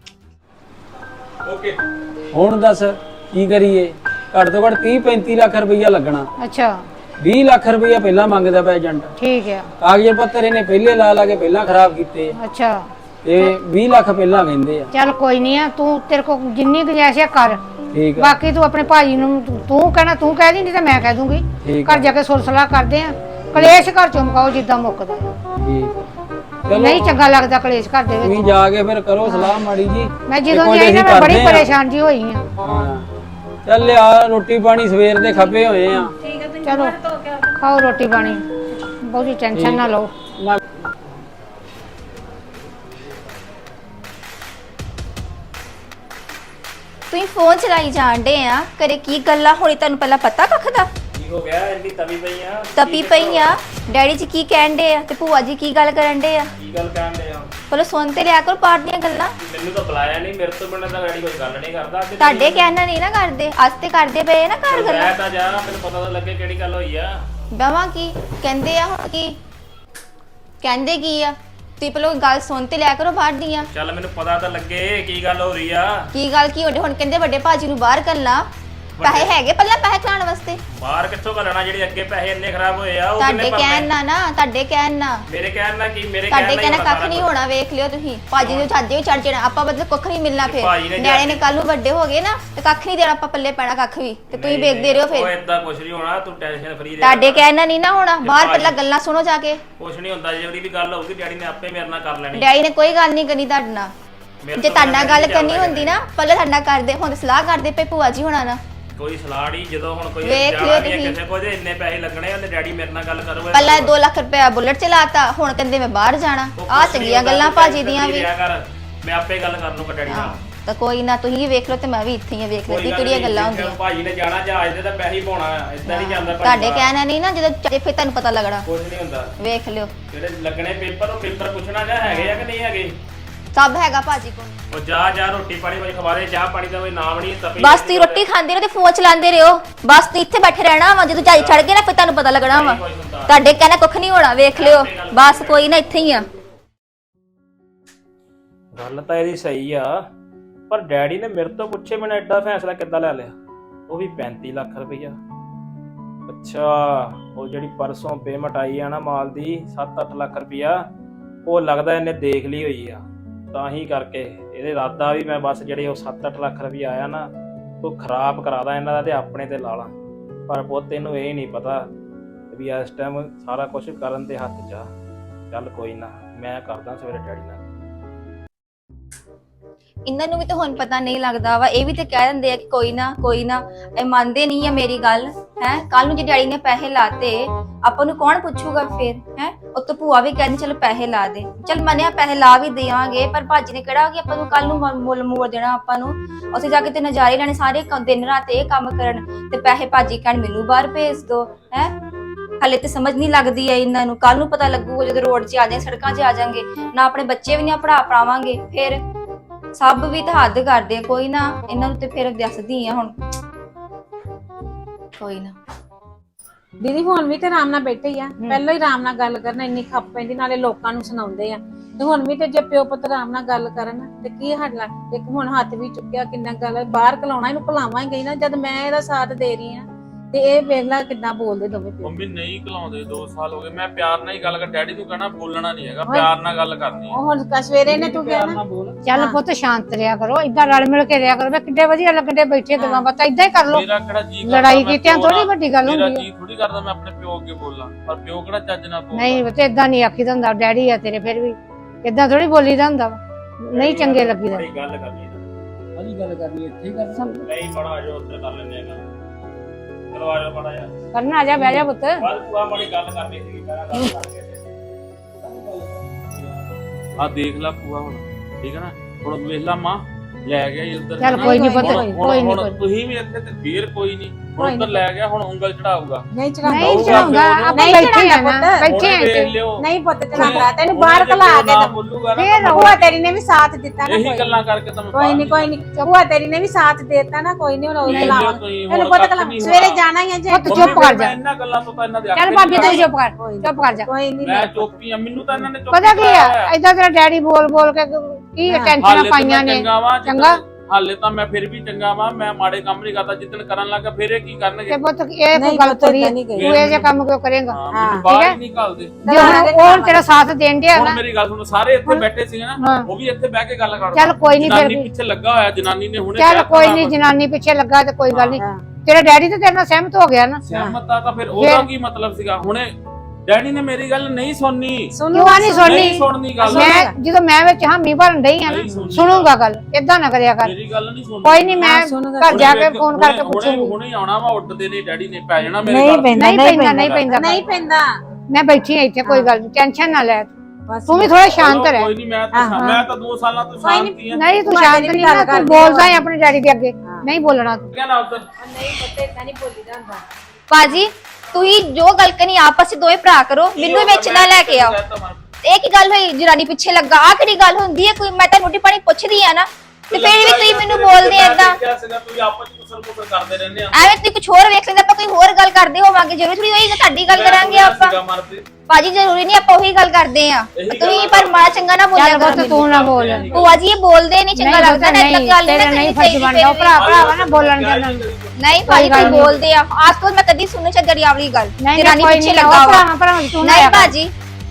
Speaker 7: ਓਕੇ
Speaker 2: ਹੁਣ ਦੱਸ ਕੀ ਕਰੀਏ? ਘੱਟ ਤੋਂ ਘੱਟ 30-35 ਲੱਖ ਰੁਪਈਆ ਲੱਗਣਾ।
Speaker 1: ਅੱਛਾ
Speaker 2: 20 ਲੱਖ ਰੁਪਈਆ ਪਹਿਲਾਂ ਮੰਗਦਾ ਪਿਆ ਏਜੰਟ।
Speaker 1: ਠੀਕ ਹੈ।
Speaker 2: ਕਾਗਜ਼ ਪੱਤਰ ਇਹਨੇ ਪਹਿਲੇ ਲਾ ਕੇ ਪਹਿਲਾਂ ਖਰਾਬ ਕੀਤੇ
Speaker 1: ਅੱਛਾ
Speaker 2: ਤੇ 20 ਲੱਖ ਪਹਿਲਾਂ ਕਹਿੰਦੇ ਆ।
Speaker 1: ਚੱਲ ਕੋਈ ਨਹੀਂ ਆ, ਤੂੰ ਤੇਰੇ ਕੋ ਜਿੰਨੀ ਗੁੰਜਾਇਸ਼ ਹੈ ਕਰ।
Speaker 2: ਠੀਕ ਆ,
Speaker 1: ਬਾਕੀ ਤੂੰ ਆਪਣੇ ਭਾਜੀ ਨੂੰ ਤੂੰ ਕਹਿਣਾ ਤੂੰ ਕਹਿ ਦੀ, ਨਹੀਂ ਤਾਂ ਮੈਂ ਕਹਿ ਦੂੰਗੀ।
Speaker 2: ਠੀਕ ਆ।
Speaker 1: ਘਰ ਜਾ ਕੇ ਸੁਲਸਲਾ ਕਰਦੇ ਆ, ਕਲੇਸ਼ ਘਰ ਚੋਂ ਮੁਕਾਓ ਜਿੱਦਾਂ ਮੁੱਕਦਾ।
Speaker 2: ਠੀਕ ਆ। ਚਲੋ
Speaker 1: ਨਹੀਂ ਚੰਗਾ ਲੱਗਦਾ ਕਲੇਸ਼ ਘਰ ਦੇ ਵਿੱਚ।
Speaker 2: ਤੁਸੀਂ ਜਾ ਕੇ ਫਿਰ ਕਰੋ ਸਲਾਹ ਮਾੜੀ ਜੀ।
Speaker 1: ਮੈਂ ਜਦੋਂ
Speaker 2: ਦੇਖੋ
Speaker 1: ਦੀ ਆਈ ਨਾ
Speaker 2: ਅਸੀਂ
Speaker 1: ਮੈਂ ਬੜੀ
Speaker 2: ਕਰਦੇ ਆ।
Speaker 1: ਪਰੇਸ਼ਾਨ ਜੀ ਹੋਈ ਆ।
Speaker 2: ਹਾਂ ਚੱਲ ਆ ਰੋਟੀ ਪਾਣੀ ਸਵੇਰ ਦੇ ਖੱਪੇ ਹੋਏ ਆ।
Speaker 1: ਚਲੋ ਖਾਓ ਰੋਟੀ ਪਾਣੀ, ਬਹੁਤੀ ਟੈਨਸ਼ਨ ਨਾ ਲਓ।
Speaker 4: ਤੁਸੀਂ ਫੋਨ ਚਲਾਈ ਜਾਂਦੇ ਆ, ਕਰੇ ਕੀ ਗੱਲਾਂ ਹੋਣੀ ਤੁਹਾਨੂੰ ਪਹਿਲਾਂ ਪਤਾ ਕੱਖ ਦਾ?
Speaker 3: ਕੀ ਹੋ ਗਿਆ? ਇੰਨੀ ਤਵੀ ਪਈ ਆ।
Speaker 4: ਤਪੀ ਪਈ ਆ। ਡੈਡੀ ਜੀ ਕੀ ਕਹਿੰਦੇ ਆ ਤੇ ਭੂਆ ਜੀ ਕੀ ਗੱਲ ਕਰਨ ਦੇ ਆ?
Speaker 3: ਕੀ ਗੱਲ ਕਰਦੇ ਆ?
Speaker 4: ਬੋਲੋ ਸੁਣ ਤੇ ਲਿਆ ਕਰੋ ਬਾਹਰ ਦੀਆਂ ਗੱਲਾਂ।
Speaker 3: ਮੈਨੂੰ ਤਾਂ ਬੁਲਾਇਆ ਨਹੀਂ, ਮੇਰੇ ਤੋਂ ਬਿਨਾਂ ਤਾਂ ਡੈਡੀ ਕੋਈ ਗੱਲ ਨਹੀਂ ਕਰਦਾ।
Speaker 4: ਤੁਹਾਡੇ ਕਹਿਣਾ ਨਹੀਂ ਨਾ ਕਰਦੇ, ਅੱਜ ਤੇ ਕਰਦੇ ਪਏ ਨਾ ਘਰ ਗੱਲਾਂ।
Speaker 3: ਮੈਂ ਤਾਂ ਜਾ, ਮੈਨੂੰ ਪਤਾ ਤਾਂ ਲੱਗੇ ਕਿਹੜੀ ਗੱਲ ਹੋਈ ਆ।
Speaker 4: ਬਵਾਂ ਕੀ ਕਹਿੰਦੇ ਆ, ਹੁਣ ਕੀ ਕਹਿੰਦੇ ਕੀ ਆ? ਤੁਸੀਂ ਪਹਿਲਾਂ ਗੱਲ ਸੁਣ ਤੇ ਲਿਆ ਕਰੋ ਬਾਹਰ ਦੀਆਂ।
Speaker 3: ਚੱਲ ਮੈਨੂੰ ਪਤਾ ਤਾਂ ਲੱਗੇ ਕੀ ਗੱਲ ਹੋ ਰਹੀ ਆ।
Speaker 4: ਕੀ ਗੱਲ ਕੀ ਹੋਣੀ? ਹੁਣ ਕਹਿੰਦੇ ਵੱਡੇ ਭਾਜੀ ਨੂੰ ਬਾਹਰ ਕਰਨਾ। ਪੈਸੇ ਹੈਗੇ ਪਹਿਲਾਂ ਪੈਸੇ ਖਾਣ ਵਾਸਤੇ?
Speaker 3: ਬਾਹਰ ਕਿੱਥੋਂ ਘਲਣਾ? ਜਿਹੜੇ ਅੱਗੇ ਪੈਸੇ ਇੰਨੇ ਖਰਾਬ ਹੋਏ ਆ ਉਹ
Speaker 4: ਤੁਹਾਡੇ
Speaker 3: ਕਿੰਨੇ
Speaker 4: ਕਹਿਣ ਨਾਲ ਨਾ, ਤੁਹਾਡੇ ਕਹਿਣ ਨਾਲ।
Speaker 3: ਮੇਰੇ ਕਹਿਣ ਨਾਲ ਕੀ? ਮੇਰੇ
Speaker 4: ਤੁਹਾਡੇ
Speaker 3: ਕਹਿਣ
Speaker 4: ਕਹਿਣਾ
Speaker 3: ਨਾਲ
Speaker 4: ਕੱਖ ਨਹੀਂ ਹੋਣਾ, ਵੇਖ ਲਿਓ ਤੁਸੀਂ। ਭਾਜੀ ਨੂੰ ਛੱਜੇ ਵੀ ਛੱਡ ਜਾਣਾ, ਆਪਾਂ ਬਦਲ ਕੁੱਖ ਨਹੀਂ ਮਿਲਣਾ।
Speaker 3: ਭਾਜੀ
Speaker 4: ਫਿਰ
Speaker 3: ਨੇ
Speaker 4: ਨਿਆਣੇ ਨੇ ਕੱਲ ਨੂੰ ਵੱਡੇ ਹੋ ਗਏ ਨਾ ਤੇ ਕੱਖ ਨਹੀਂ ਦੇਣਾ ਆਪਾਂ ਪੱਲੇ ਪੈਣਾ ਕੱਖ ਵੀ, ਤੇ ਤੁਸੀਂ ਵੇਖਦੇ ਰਹੋ
Speaker 3: ਉਹ
Speaker 4: ਫਿਰ।
Speaker 3: ਇਦਾਂ ਕੁਛ ਨਹੀਂ ਹੋਣਾ, ਤੂੰ ਟੈਨਸ਼ਨ ਫਰੀ ਰਹਿ।
Speaker 4: ਤੁਹਾਡੇ ਕਹਿਣਾ ਨਹੀਂ ਨਾ ਹੋਣਾ, ਬਾਹਰ ਪਹਿਲਾਂ ਗੱਲਾਂ ਸੁਣੋ ਜਾ ਕੇ।
Speaker 3: ਕੁਛ ਨਹੀਂ ਹੁੰਦਾ, ਜਿਹੜੀ ਵੀ ਗੱਲ ਹੋਊਗੀ ਡੈਡੀ ਨੇ ਆਪੇ ਮੇਰੇ ਨਾਲ ਕਰ ਲੈਣੀ।
Speaker 4: ਡੈਡੀ ਨੇ ਕੋਈ ਗੱਲ ਨਹੀਂ ਕਰਨੀ ਤੁਹਾਡੇ ਨਾਲ।
Speaker 3: ਮੇਰੇ
Speaker 4: ਜੇ
Speaker 3: ਤੋਂ
Speaker 4: ਤੁਹਾਡੇ ਨਾਲ
Speaker 3: ਬਿਨਾਂ
Speaker 4: ਗੱਲ
Speaker 3: ਨਹੀਂ
Speaker 4: ਕਰਨੀ
Speaker 3: ਚੱਲਦਾ
Speaker 4: ਹੁੰਦੀ ਨਾ, ਪਹਿਲਾਂ ਤੁਹਾਡੇ ਨਾਲ ਕਰਦੇ, ਹੁਣ ਸਲਾਹ ਕਰਦੇ ਪਏ ਭੂਆ ਜੀ ਹੋਣਾ ਨਾ।
Speaker 3: ਕੋਈ ਸਲਾਹ ਨਹੀਂ, ਜਦੋਂ ਹੁਣ ਕੋਈ
Speaker 4: ਵੇਖ
Speaker 3: ਜਾਣਾ
Speaker 4: ਲਿਓ
Speaker 3: ਨਹੀਂ
Speaker 4: ਤੁਸੀਂ।
Speaker 3: ਕਿਸੇ ਕੋਲ, ਇੰਨੇ ਪੈਸੇ ਲੱਗਣੇ ਉਹਦੇ ਡੈਡੀ ਮੇਰੇ ਨਾਲ ਗੱਲ ਕਰੋ।
Speaker 4: ਪਹਿਲਾਂ 2 ਲੱਖ ਰੁਪਇਆ ਬੁਲਟ ਚਲਾਤਾ, ਹੁਣ ਕਹਿੰਦੇ ਮੈਂ ਬਾਹਰ ਜਾਣਾ। ਆਹ ਚੰਗੀਆਂ ਗੱਲਾਂ ਭਾਜੀ ਦੀਆਂ ਵੀ।
Speaker 3: ਮੈਂ ਆਪੇ ਗੱਲ ਕਰ ਲੂੰਗਾ ਡੈਡੀ ਨਾਲ।
Speaker 4: ਤਾਂ ਕੋਈ ਨਾ, ਤੁਸੀਂ ਵੇਖ ਲਓ ਤੇ ਮੈਂ ਵੀ ਇੱਥੇ ਹੀ ਆ, ਵੇਖ ਲੈਂਦੀ ਕਿਹੜੀਆਂ ਗੱਲਾਂ ਹੁੰਦੀਆਂ।
Speaker 3: ਭਾਜੀ ਨੇ ਜਾਣਾ ਜਹਾਜ਼ ਤੇ ਤਾਂ ਪੈਸੇ ਹੀ ਪਾਉਣਾ ਆ, ਇਦਾਂ ਨਹੀਂ ਜਾਂਦਾ ਭਾਜੀ।
Speaker 4: ਤੁਹਾਡੇ ਕਹਿਣਾ ਨਹੀਂ ਨਾ, ਜਦੋਂ ਚੱਲੇ ਫਿਰ ਤੁਹਾਨੂੰ ਪਤਾ ਲੱਗਣਾ।
Speaker 3: ਕੁਝ ਨਹੀਂ ਹੁੰਦਾ,
Speaker 4: ਵੇਖ ਲਿਓ
Speaker 3: ਜਿਹੜੇ ਲੱਗਣੇ ਪੇਪਰ ਉਹ ਪੇਪਰ ਪੁੱਛਣਾ ਜਾਂ ਹੈਗੇ ਆ ਕਿ ਨਹੀਂ ਹੈਗੇ।
Speaker 4: ਸਭ ਹੈਗਾ ਭਾਜੀ ਕੋਲ।
Speaker 3: ਉਹ ਜਾ ਰੋਟੀ ਪਾਣੀ ਕੋਈ ਖਵਾ ਦੇ, ਚਾਹ ਪਾਣੀ ਦਾ ਕੋਈ ਨਾਮ ਨਹੀਂ ਤਪੀ।
Speaker 4: ਬਸ ਤੁਸੀਂ ਰੋਟੀ ਖਾਂਦੇ ਰਹੋ ਤੇ ਫੋਨ ਚਲਾਉਂਦੇ ਰਹੋ, ਬਸ ਤੁਸੀਂ ਇੱਥੇ ਬੈਠੇ ਰਹਿਣਾ ਵਾ, ਜਦੋਂ ਜਹਾਜ਼ ਚੜ ਗਏ ਨਾ ਫਿਰ ਤੁਹਾਨੂੰ ਪਤਾ ਲੱਗਣਾ ਵਾ। ਤੁਹਾਡੇ ਕਹਿਣਾ ਕੁੱਖ ਨਹੀਂ ਹੋਣਾ, ਵੇਖ ਲਿਓ ਬਸ, ਕੋਈ ਨਾ ਇੱਥੇ ਹੀ ਆ।
Speaker 3: ਗੱਲ ਤਾਂ ਇਹਦੀ ਸਹੀ ਆ, ਪਰ ਡੈਡੀ ਨੇ ਮੇਰੇ ਤੋਂ ਪੁੱਛੇ ਮੈਨੂੰ ਐਡਾ ਫੈਸਲਾ ਕਿੱਦਾਂ ਲੈ ਲਿਆ, ਉਹ ਵੀ 35 ਲੱਖ ਰੁਪਈਆ। ਅੱਛਾ, ਉਹ ਜਿਹੜੀ ਪਰਸੋਂ ਪੇਮੈਂਟ ਆਈ ਆ ਨਾ ਮਾਲ ਦੀ 7-8 ਲੱਖ ਰੁਪਈਆ, ਉਹ ਲੱਗਦਾ ਇਹਨੇ ਦੇਖ ਲਈ ਹੋਈ ਆ, ਤਾਂ ਹੀ ਕਰਕੇ ਇਹਦੇ ਇਰਾਦਾ ਵੀ ਮੈਂ ਬਸ ਜਿਹੜੇ ਉਹ 7-8 ਲੱਖ ਰੁਪਈਆ ਆਇਆ ਨਾ ਉਹ ਖਰਾਬ ਕਰਾਦਾ ਇਹਨਾਂ ਦਾ ਤੇ ਆਪਣੇ ਤੇ ਲਾ ਲਾਂ। ਪਰ ਪੁੱਤ ਇਹਨੂੰ ਇਹ ਨਹੀਂ ਪਤਾ ਵੀ ਇਸ ਟਾਈਮ ਸਾਰਾ ਕੁਝ ਕਰਨ ਦੇ ਹੱਥ 'ਚ ਆ। ਚੱਲ ਕੋਈ ਨਾ, ਮੈਂ ਕਰਦਾ ਸਵੇਰੇ ਡੈਡੀ ਨਾਲ।
Speaker 4: ਇਹਨਾਂ ਨੂੰ ਵੀ ਤਾਂ ਹੁਣ ਪਤਾ ਨਹੀਂ ਲੱਗਦਾ ਵਾ, ਇਹ ਵੀ ਤੇ ਕਹਿ ਦਿੰਦੇ ਆ ਕਿ ਕੋਈ ਨਾ ਕੋਈ ਨਾ, ਇਹ ਮੰਨਦੇ ਨਹੀਂ ਆ ਮੇਰੀ ਗੱਲ ਹੈ। ਕੱਲ ਨੂੰ ਜੇ ਡੈਡੀ ਨੇ ਪੈਸੇ ਲਾਤੇ ਆਪਾਂ ਨੂੰ ਕੌਣ ਪੁੱਛੂਗਾ ਫਿਰ ਹੈ। ਉਹ ਤਾਂ ਭੂਆ ਵੀ ਕਹਿੰਦੀ ਚਲ ਪੈਸੇ ਲਾ ਦੇ, ਚਲ ਮੰਨਿਆ ਪੈਸੇ ਲਾ ਵੀ ਦੇਵਾਂਗੇ, ਪਰ ਭਾਜੀ ਨੇ ਕਿਹੜਾ ਕਿ ਆਪਾਂ ਨੂੰ ਕੱਲ ਨੂੰ ਮੁੱਲ ਮੋੜ ਦੇਣਾ। ਆਪਾਂ ਨੂੰ ਉੱਥੇ ਜਾ ਕੇ ਤੇ ਨਜ਼ਾਰੇ ਲੈਣੇ ਸਾਰੇ, ਦਿਨ ਰਾਤ ਇਹ ਕੰਮ ਕਰਨ ਤੇ ਪੈਸੇ ਭਾਜੀ ਕਹਿਣ ਮੈਨੂੰ ਬਾਹਰ ਭੇਜ ਦੋ ਹੈ। ਹਲੇ ਤੇ ਸਮਝ ਨਹੀਂ ਲੱਗਦੀ ਹੈ ਇਹਨਾਂ ਨੂੰ, ਕੱਲ ਨੂੰ ਪਤਾ ਲੱਗੂਗਾ ਜਦੋਂ ਰੋਡ 'ਚ ਆ ਜਾਏ, ਸੜਕਾਂ 'ਚ ਆ ਜਾਾਂਗੇ ਨਾ, ਆਪਣੇ ਬੱਚੇ ਵੀ ਨਹੀਂ ਪੜ੍ਹਾ ਪਾਵਾਂਗੇ ਫਿਰ। ਸਭ ਵੀ ਤਾਂ ਹੱਦ ਕਰਦੇ ਆ, ਕੋਈ ਨਾ ਇਹਨਾਂ ਨੂੰ ਤੇ ਫਿਰ ਦੱਸਦੀ ਆ ਹੁਣ, ਕੋਈ ਨਾ।
Speaker 5: ਦੀਦੀ ਹੁਣ ਵੀ ਤੇ ਆਰਾਮ ਨਾਲ ਬੈਠੇ ਹੀ ਆ, ਪਹਿਲਾਂ ਹੀ ਆਰਾਮ ਨਾਲ ਗੱਲ ਕਰਨਾ, ਇੰਨੀ ਖੱਪ ਪੈਂਦੀ, ਨਾਲੇ ਲੋਕਾਂ ਨੂੰ ਸੁਣਾਉਂਦੇ ਆ। ਤੇ ਹੁਣ ਵੀ ਤੇ ਜੇ ਪਿਓ ਪੁੱਤ ਆਰਾਮ ਨਾਲ ਗੱਲ ਕਰਨ ਤੇ ਕੀ ਹੱਲ ਆ। ਇੱਕ ਹੁਣ ਹੱਥ ਵੀ ਚੁੱਕਿਆ, ਕਿੰਨਾ ਗੱਲ ਬਾਹਰ ਕਲਾਉਣਾ, ਇਹਨੂੰ ਭੁਲਾਵਾਂ ਹੀ ਗਈ ਨਾ ਜਦ ਮੈਂ ਇਹਦਾ ਸਾਥ ਦੇ ਰਹੀ ਆ, ਤੇ ਇਹ ਵੇਖ ਲੈ ਕਿੱਦਾਂ ਬੋਲਦੇ ਦੋਵੇਂ ਪਿਓ।
Speaker 7: ਮੰਮੀ ਨਹੀਂ ਘਲਾਉਂਦੇ, 2 ਸਾਲ ਹੋ ਗਏ। ਮੈਂ ਪਿਆਰ ਨਾਲ ਹੀ ਗੱਲ ਕਰ, ਡੈਡੀ ਨੂੰ ਕਹਿਣਾ ਬੋਲਣਾ ਨਹੀਂ ਹੈਗਾ, ਪਿਆਰ ਨਾਲ ਗੱਲ ਕਰਨੀ ਹੈ।
Speaker 5: ਉਹ ਹੁਣ ਸਵੇਰੇ ਨੇ ਤੂੰ ਕਿਹਾ ਨਾ
Speaker 1: ਚੱਲ ਪੁੱਤ ਸ਼ਾਂਤ ਰਿਹਾ ਕਰੋ, ਇਦਾਂ ਰਲ ਮਿਲ ਕੇ ਰਿਹਾ ਕਰੋ। ਵੇ ਕਿੱਡੇ ਵਧੀਆ ਲੱਗਦੇ ਬੈਠੇ ਗੱਲਾਂ ਬਾਤਾਂ, ਇਦਾਂ ਹੀ ਕਰ ਲੋ।
Speaker 7: ਮੇਰਾ ਕਿਹੜਾ ਜੀ
Speaker 1: ਲੜਾਈ ਕੀਤਿਆਂ ਥੋੜੀ ਵੱਡੀ ਗੱਲ
Speaker 7: ਮੇਰਾ
Speaker 1: ਹੁੰਦੀ
Speaker 7: ਜੀ ਥੋੜੀ ਕਰਦਾ ਮੈਂ ਆਪਣੇ ਪਿਓ ਅੱਗੇ ਬੋਲਾਂ, ਪਰ ਪਿਓ ਕਿਹੜਾ ਚੱਜ ਨਾਲ ਬੋਲਦਾ।
Speaker 1: ਨਹੀਂ ਬਤੇ ਇਦਾਂ ਨਹੀਂ ਆਖੀਦਾ ਹੁੰਦਾ, ਡੈਡੀ ਆ ਤੇਰੇ, ਫਿਰ ਵੀ ਇਦਾਂ ਥੋੜੀ ਬੋਲੀਦਾ ਹੁੰਦਾ, ਨਹੀਂ ਚੰਗੇ ਲੱਗੀਦਾ।
Speaker 3: ਬੜੀ ਗੱਲ ਕਰਨੀ ਹੈ,
Speaker 2: ਸਾਰੀ ਗੱਲ ਕਰਨੀ ਇੱਥੇ ਹੀ ਕਰ।
Speaker 3: ਨਹੀਂ ਬੜਾ ਆ ਜਾਓ ਉੱਧਰ ਕਰ ਲੈਂਦੇ ਆ। ਚਲੋ ਆ ਜਾਓ ਬੜਾ ਯਾਰ,
Speaker 1: ਕਰਨਾ ਆ ਜਾ, ਬਹਿ ਜਾ ਪੁੱਤ।
Speaker 3: ਬਾਅਦ ਭੂਆ ਮਾੜੀ ਗੱਲ ਕਰਨੀ ਸੀ, ਮੈਂ ਗੱਲ ਕਰਕੇ
Speaker 7: ਆ ਦੇਖ ਲੈ ਭੂਆ ਹੁਣ, ਠੀਕ ਹੈ ਨਾ, ਹੁਣ ਵੇਖ ਲਾ ਮਾਂ ਲੈ ਗਿਆ ਜੀ ਉੱਧਰ।
Speaker 1: ਚੱਲ ਕੋਈ ਨਹੀਂ ਪੁੱਤ,
Speaker 7: ਹੁਣ-
Speaker 1: ਕੋਈ
Speaker 7: ਹੁਣ
Speaker 1: ਨਹੀਂ।
Speaker 7: ਤੁਸੀਂ ਵੀ ਇੱਥੇ ਤੇ ਫੇਰ ਕੋਈ ਨਹੀਂ, ਹੁਣ ਉੱਧਰ ਲੈ ਗਿਆ, ਹੁਣ ਉਂਗਲ ਚੜਾਊਗਾ।
Speaker 5: ਨਹੀਂ ਚੜਾਉਂਦਾ,
Speaker 1: ਨਹੀਂ ਚੜਾਉਂਦਾ, ਆਪਾਂ
Speaker 5: ਨਹੀਂ
Speaker 1: ਬੈਠੇ ਆ
Speaker 5: ਚੜਾਉਂਦਾ
Speaker 1: ਨਾ,
Speaker 5: ਪੁੱਤ।
Speaker 1: ਬੈਠੇ ਆ ਇੱਥੇ।
Speaker 7: ਵੇਖ ਲਿਓ,
Speaker 5: ਨਹੀਂ ਪੁੱਤ ਚੜਾਉਂਦਾ, ਤੈਨੂੰ ਬਾਹਰ ਕਲਾ ਕੇ
Speaker 7: ਬੋਲੂਗਾ ਨਾ,
Speaker 5: ਫੇਰ ਭੂਆ ਤੇਰੀ ਨੇ ਵੀ ਸਾਥ ਦਿੱਤਾ ਨਾ,
Speaker 7: ਇਹੀ ਗੱਲਾਂ ਕਰਕੇ ਤੁਹਾਨੂੰ
Speaker 5: ਕੋਈ ਨਹੀਂ ਕੋਈ ਨਹੀਂ, ਭੂਆ ਤੇਰੀ ਨੇ ਵੀ ਸਾਥ ਦਿੱਤਾ ਨਾ, ਕੋਈ ਨਹੀਂ ਹੁਣ ਉਹ ਲਾਵਾਂਗੇ ਤੈਨੂੰ ਪੁੱਤ ਕਲਾ। ਸਵੇਰੇ ਜਾਣਾ ਹੀ ਆ ਜੇ,
Speaker 1: ਪੁੱਤ ਚੁੱਪ ਕਰ ਜਾ।
Speaker 7: ਇਹਨਾਂ ਗੱਲਾਂ ਤੋਂ ਤਾਂ ਇਹਨਾਂ ਦੇ
Speaker 1: ਚੱਲ ਭਾਬੀ ਤੂੰ ਚੁੱਪ ਕਰ, ਚੁੱਪ ਕਰ ਜਾ।
Speaker 5: ਕੋਈ ਨਹੀਂ
Speaker 7: ਮੈਂ ਚੁੱਪੀ ਆ, ਮੈਨੂੰ ਤਾਂ ਇਹਨਾਂ ਨੇ ਚੁੱਪ
Speaker 1: ਪਤਾ ਕੀ ਆ, ਏਦਾਂ ਤੇਰਾ ਡੈਡੀ ਬੋਲ ਬੋਲ ਕੇ ਕੀ ਟੈਨਸ਼ਨਾਂ ਪਾਈਆਂ ਨੇ। ਚੰਗਾ
Speaker 7: ਹਾਲੇ ਤਾਂ ਮੈਂ ਫਿਰ ਵੀ ਚੰਗਾ ਵਾਂ, ਮੈਂ ਮਾੜੇ ਕੰਮ ਨਹੀਂ ਕਰਦਾ। ਜਿੱਦਣ ਕਰਨ ਲੱਗਾ ਫਿਰ ਇਹ ਕੀ ਕਰਨਗੇ?
Speaker 1: ਤੇ ਪੁੱਤ ਇਹ ਕੋਈ ਗੱਲ ਥੋੜੀ ਹੈ, ਤੂੰ ਇਹ ਜੇ ਕੰਮ ਕਿਉਂ ਕਰੇਗਾ?
Speaker 7: ਮੈਨੂੰ ਬਾਹਰ ਹੀ ਨਹੀਂ ਘੱਲਦੇ।
Speaker 1: ਜੇ ਉਹ ਤੇਰਾ ਸਾਥ ਦੇਣ ਡਿਆ
Speaker 7: ਹੁਣ
Speaker 1: ਨਾ,
Speaker 7: ਮੇਰੀ ਗੱਲ ਸੁਣੋ, ਸਾਰੇ ਇੱਥੇ ਬੈਠੇ ਸੀ ਨਾ, ਉਹ ਵੀ ਇੱਥੇ ਬਹਿ ਕੇ ਗੱਲ ਕਰਦੇ।
Speaker 1: ਚੱਲ ਕੋਈ ਨਹੀਂ, ਫਿਰ
Speaker 7: ਜਨਾਨੀ ਪਿੱਛੇ ਲੱਗਾ ਹੋਇਆ, ਜਨਾਨੀ ਨੇ ਹੁਣੇ
Speaker 1: ਚੱਲ ਕੋਈ ਨਹੀਂ, ਜਨਾਨੀ ਪਿੱਛੇ ਲੱਗਾ ਤੇ ਕੋਈ ਗੱਲ ਨਹੀਂ। ਤੇਰਾ ਡੈਡੀ ਤੇ ਤੇਰੇ ਨਾਲ ਸਹਿਮਤ ਹੋ ਗਿਆ ਨਾ।
Speaker 7: ਸਹਿਮਤ ਆ ਤਾਂ ਫਿਰ ਉਹਦਾ ਕੀ ਮਤਲਬ ਸੀਗਾ? ਹੁਣੇ ਡੈਡੀ ਨੇ ਮੇਰੀ ਗੱਲ ਨਹੀਂ ਸੁਣਨੀ,
Speaker 1: ਕਿਉਂ ਨਹੀਂ ਸੁਣਨੀ?
Speaker 7: ਨਹੀਂ ਸੁਣਨੀ ਗੱਲ।
Speaker 1: ਮੈਂ ਜਦੋਂ ਮੈਂ ਵਿੱਚ ਹਾਮੀ ਭਰਨ ਡਈ ਆ ਨਾ, ਸੁਣੂਗਾ ਗੱਲ, ਏਦਾਂ ਨਾ ਕਰਿਆ ਕਰ।
Speaker 7: ਮੇਰੀ ਗੱਲ ਨਹੀਂ ਸੁਣਨੀ।
Speaker 1: ਕੋਈ ਨਹੀਂ, ਮੈਂ ਘਰ ਜਾ ਕੇ ਫੋਨ ਕਰਕੇ ਪੁੱਛੂਗੀ।
Speaker 7: ਹੁਣੇ ਆਉਣਾ ਵਾ, ਉੱਡਦੇ ਨੇ ਡੈਡੀ ਨੇ ਪੈ ਜਾਣਾ ਮੇਰੇ
Speaker 5: ਨਹੀਂ
Speaker 7: ਘਰ।
Speaker 5: ਪੈਂਦਾ,
Speaker 1: ਨਹੀਂ ਪੈਂਦਾ, ਨਹੀਂ ਪੈਂਦਾ,
Speaker 5: ਨਹੀਂ ਪੈਂਦਾ।
Speaker 1: ਮੈਂ ਬੈਠੀ ਆ ਇੱਥੇ, ਕੋਈ ਗੱਲ ਨਹੀਂ, ਟੈਨਸ਼ਨ ਨਾ ਲੈ। ਤੂੰ ਵੀ ਥੋੜਾ ਸ਼ਾਂਤ ਰਹਿ।
Speaker 7: ਕੋਈ ਨਹੀਂ, ਮੈਂ ਤਾਂ 2 ਸਾਲਾਂ ਤੋਂ ਸ਼ਾਂਤੀ ਆ।
Speaker 1: ਨਹੀਂ ਤੂੰ ਸ਼ਾਂਤ ਨਹੀਂ ਨਾ, ਤੂੰ ਬੋਲਦਾ ਹੈ ਆਪਣੇ ਡੈਡੀ ਦੇ ਅੱਗੇ, ਨਹੀਂ ਬੋਲਣਾ ਤੂੰ।
Speaker 7: ਕਿਆ ਨਾ ਉੱਧਰ
Speaker 5: ਨਹੀਂ ਪੁੱਤ ਇਦਾਂ ਨਹੀਂ ਬੋਲੀਦਾ ਹੁੰਦਾ।
Speaker 4: ਬਾਜੀ ਤੁਸੀਂ ਜੋ ਗੱਲ ਕਰਨੀ ਆਪਸ ਵਿੱਚ ਦੋਵੇਂ ਭਰਾ ਕਰੋ, ਮੈਨੂੰ ਵਿੱਚ ਨਾ ਲੈ ਕੇ ਆਓ। ਇਹ ਕੀ ਗੱਲ ਹੋਈ ਜਨਾਨੀ ਪਿੱਛੇ ਲੱਗਾ? ਆਹ ਕਿਹੜੀ ਗੱਲ ਹੁੰਦੀ ਹੈ? ਕੋਈ ਮੈਂ ਤਾਂ ਰੋਟੀ ਪਾਣੀ ਪੁੱਛਦੀ ਆ ਨਾ, ਤੇ ਫਿਰ ਵੀ ਤੁਸੀਂ ਮੈਨੂੰ ਬੋਲਦੇ ਏਦਾਂ।
Speaker 7: ਤੁਸੀਂ ਆਪਸ ਵਿੱਚ ਕੁਸਰ ਕਰਦੇ ਰਹਿੰਦੇ ਆ।
Speaker 4: ਐਵੇਂ ਤੁਸੀਂ ਕੁਝ ਹੋਰ ਵੇਖ ਲੈਂਦੇ, ਆਪਾਂ ਕੋਈ ਹੋਰ ਗੱਲ ਕਰਦੇ ਹੋਵਾਂਗੇ, ਜ਼ਰੂਰੀ ਥੋੜੀ ਹੋਈ ਤੁਹਾਡੀ ਗੱਲ ਕਰਾਂਗੇ ਆਪਾਂ। ਬਾਜੀ ਜ਼ਰੂਰੀ ਨਹੀਂ ਆਪਾਂ ਉਹੀ ਗੱਲ ਕਰਦੇ ਆ, ਤੁਸੀਂ ਪਰ ਮਾੜਾ ਚੰਗਾ ਨਾ ਬੋਲਿਆ ਕਰੋ।
Speaker 1: ਤੂੰ ਨਾ ਬੋਲ।
Speaker 4: ਭੂਆ ਜੀ ਇਹ ਬੋਲਦੇ ਨਹੀਂ, ਚੰਗਾ ਲੱਗਦਾ ਨਾ, ਇਦਾਂ ਗੱਲ
Speaker 1: ਤੇਰਾ ਨਹੀਂ ਫਰਜ਼ ਬਣਦਾ, ਭਰਾ ਭਰਾਵਾ ਨਾ ਬੋਲਣ ਦਾ।
Speaker 4: ਨਹੀਂ ਭਾਜੀ ਤੁਸੀਂ ਬੋਲਦੇ ਆ, ਆਜ ਤੱਕ ਮੈਂ ਕਦੀ ਸੁਣੀ ਛੱਡੜੀ ਆਵਲੀ ਗੱਲ ਜਨਾਨੀ ਪਿੱਛੇ ਲੱਗਾ ਵਾ।
Speaker 1: ਭਰਾਵਾ ਭਰਾਵਾ ਤੂੰ
Speaker 4: ਨਹੀਂ ਭਾਜੀ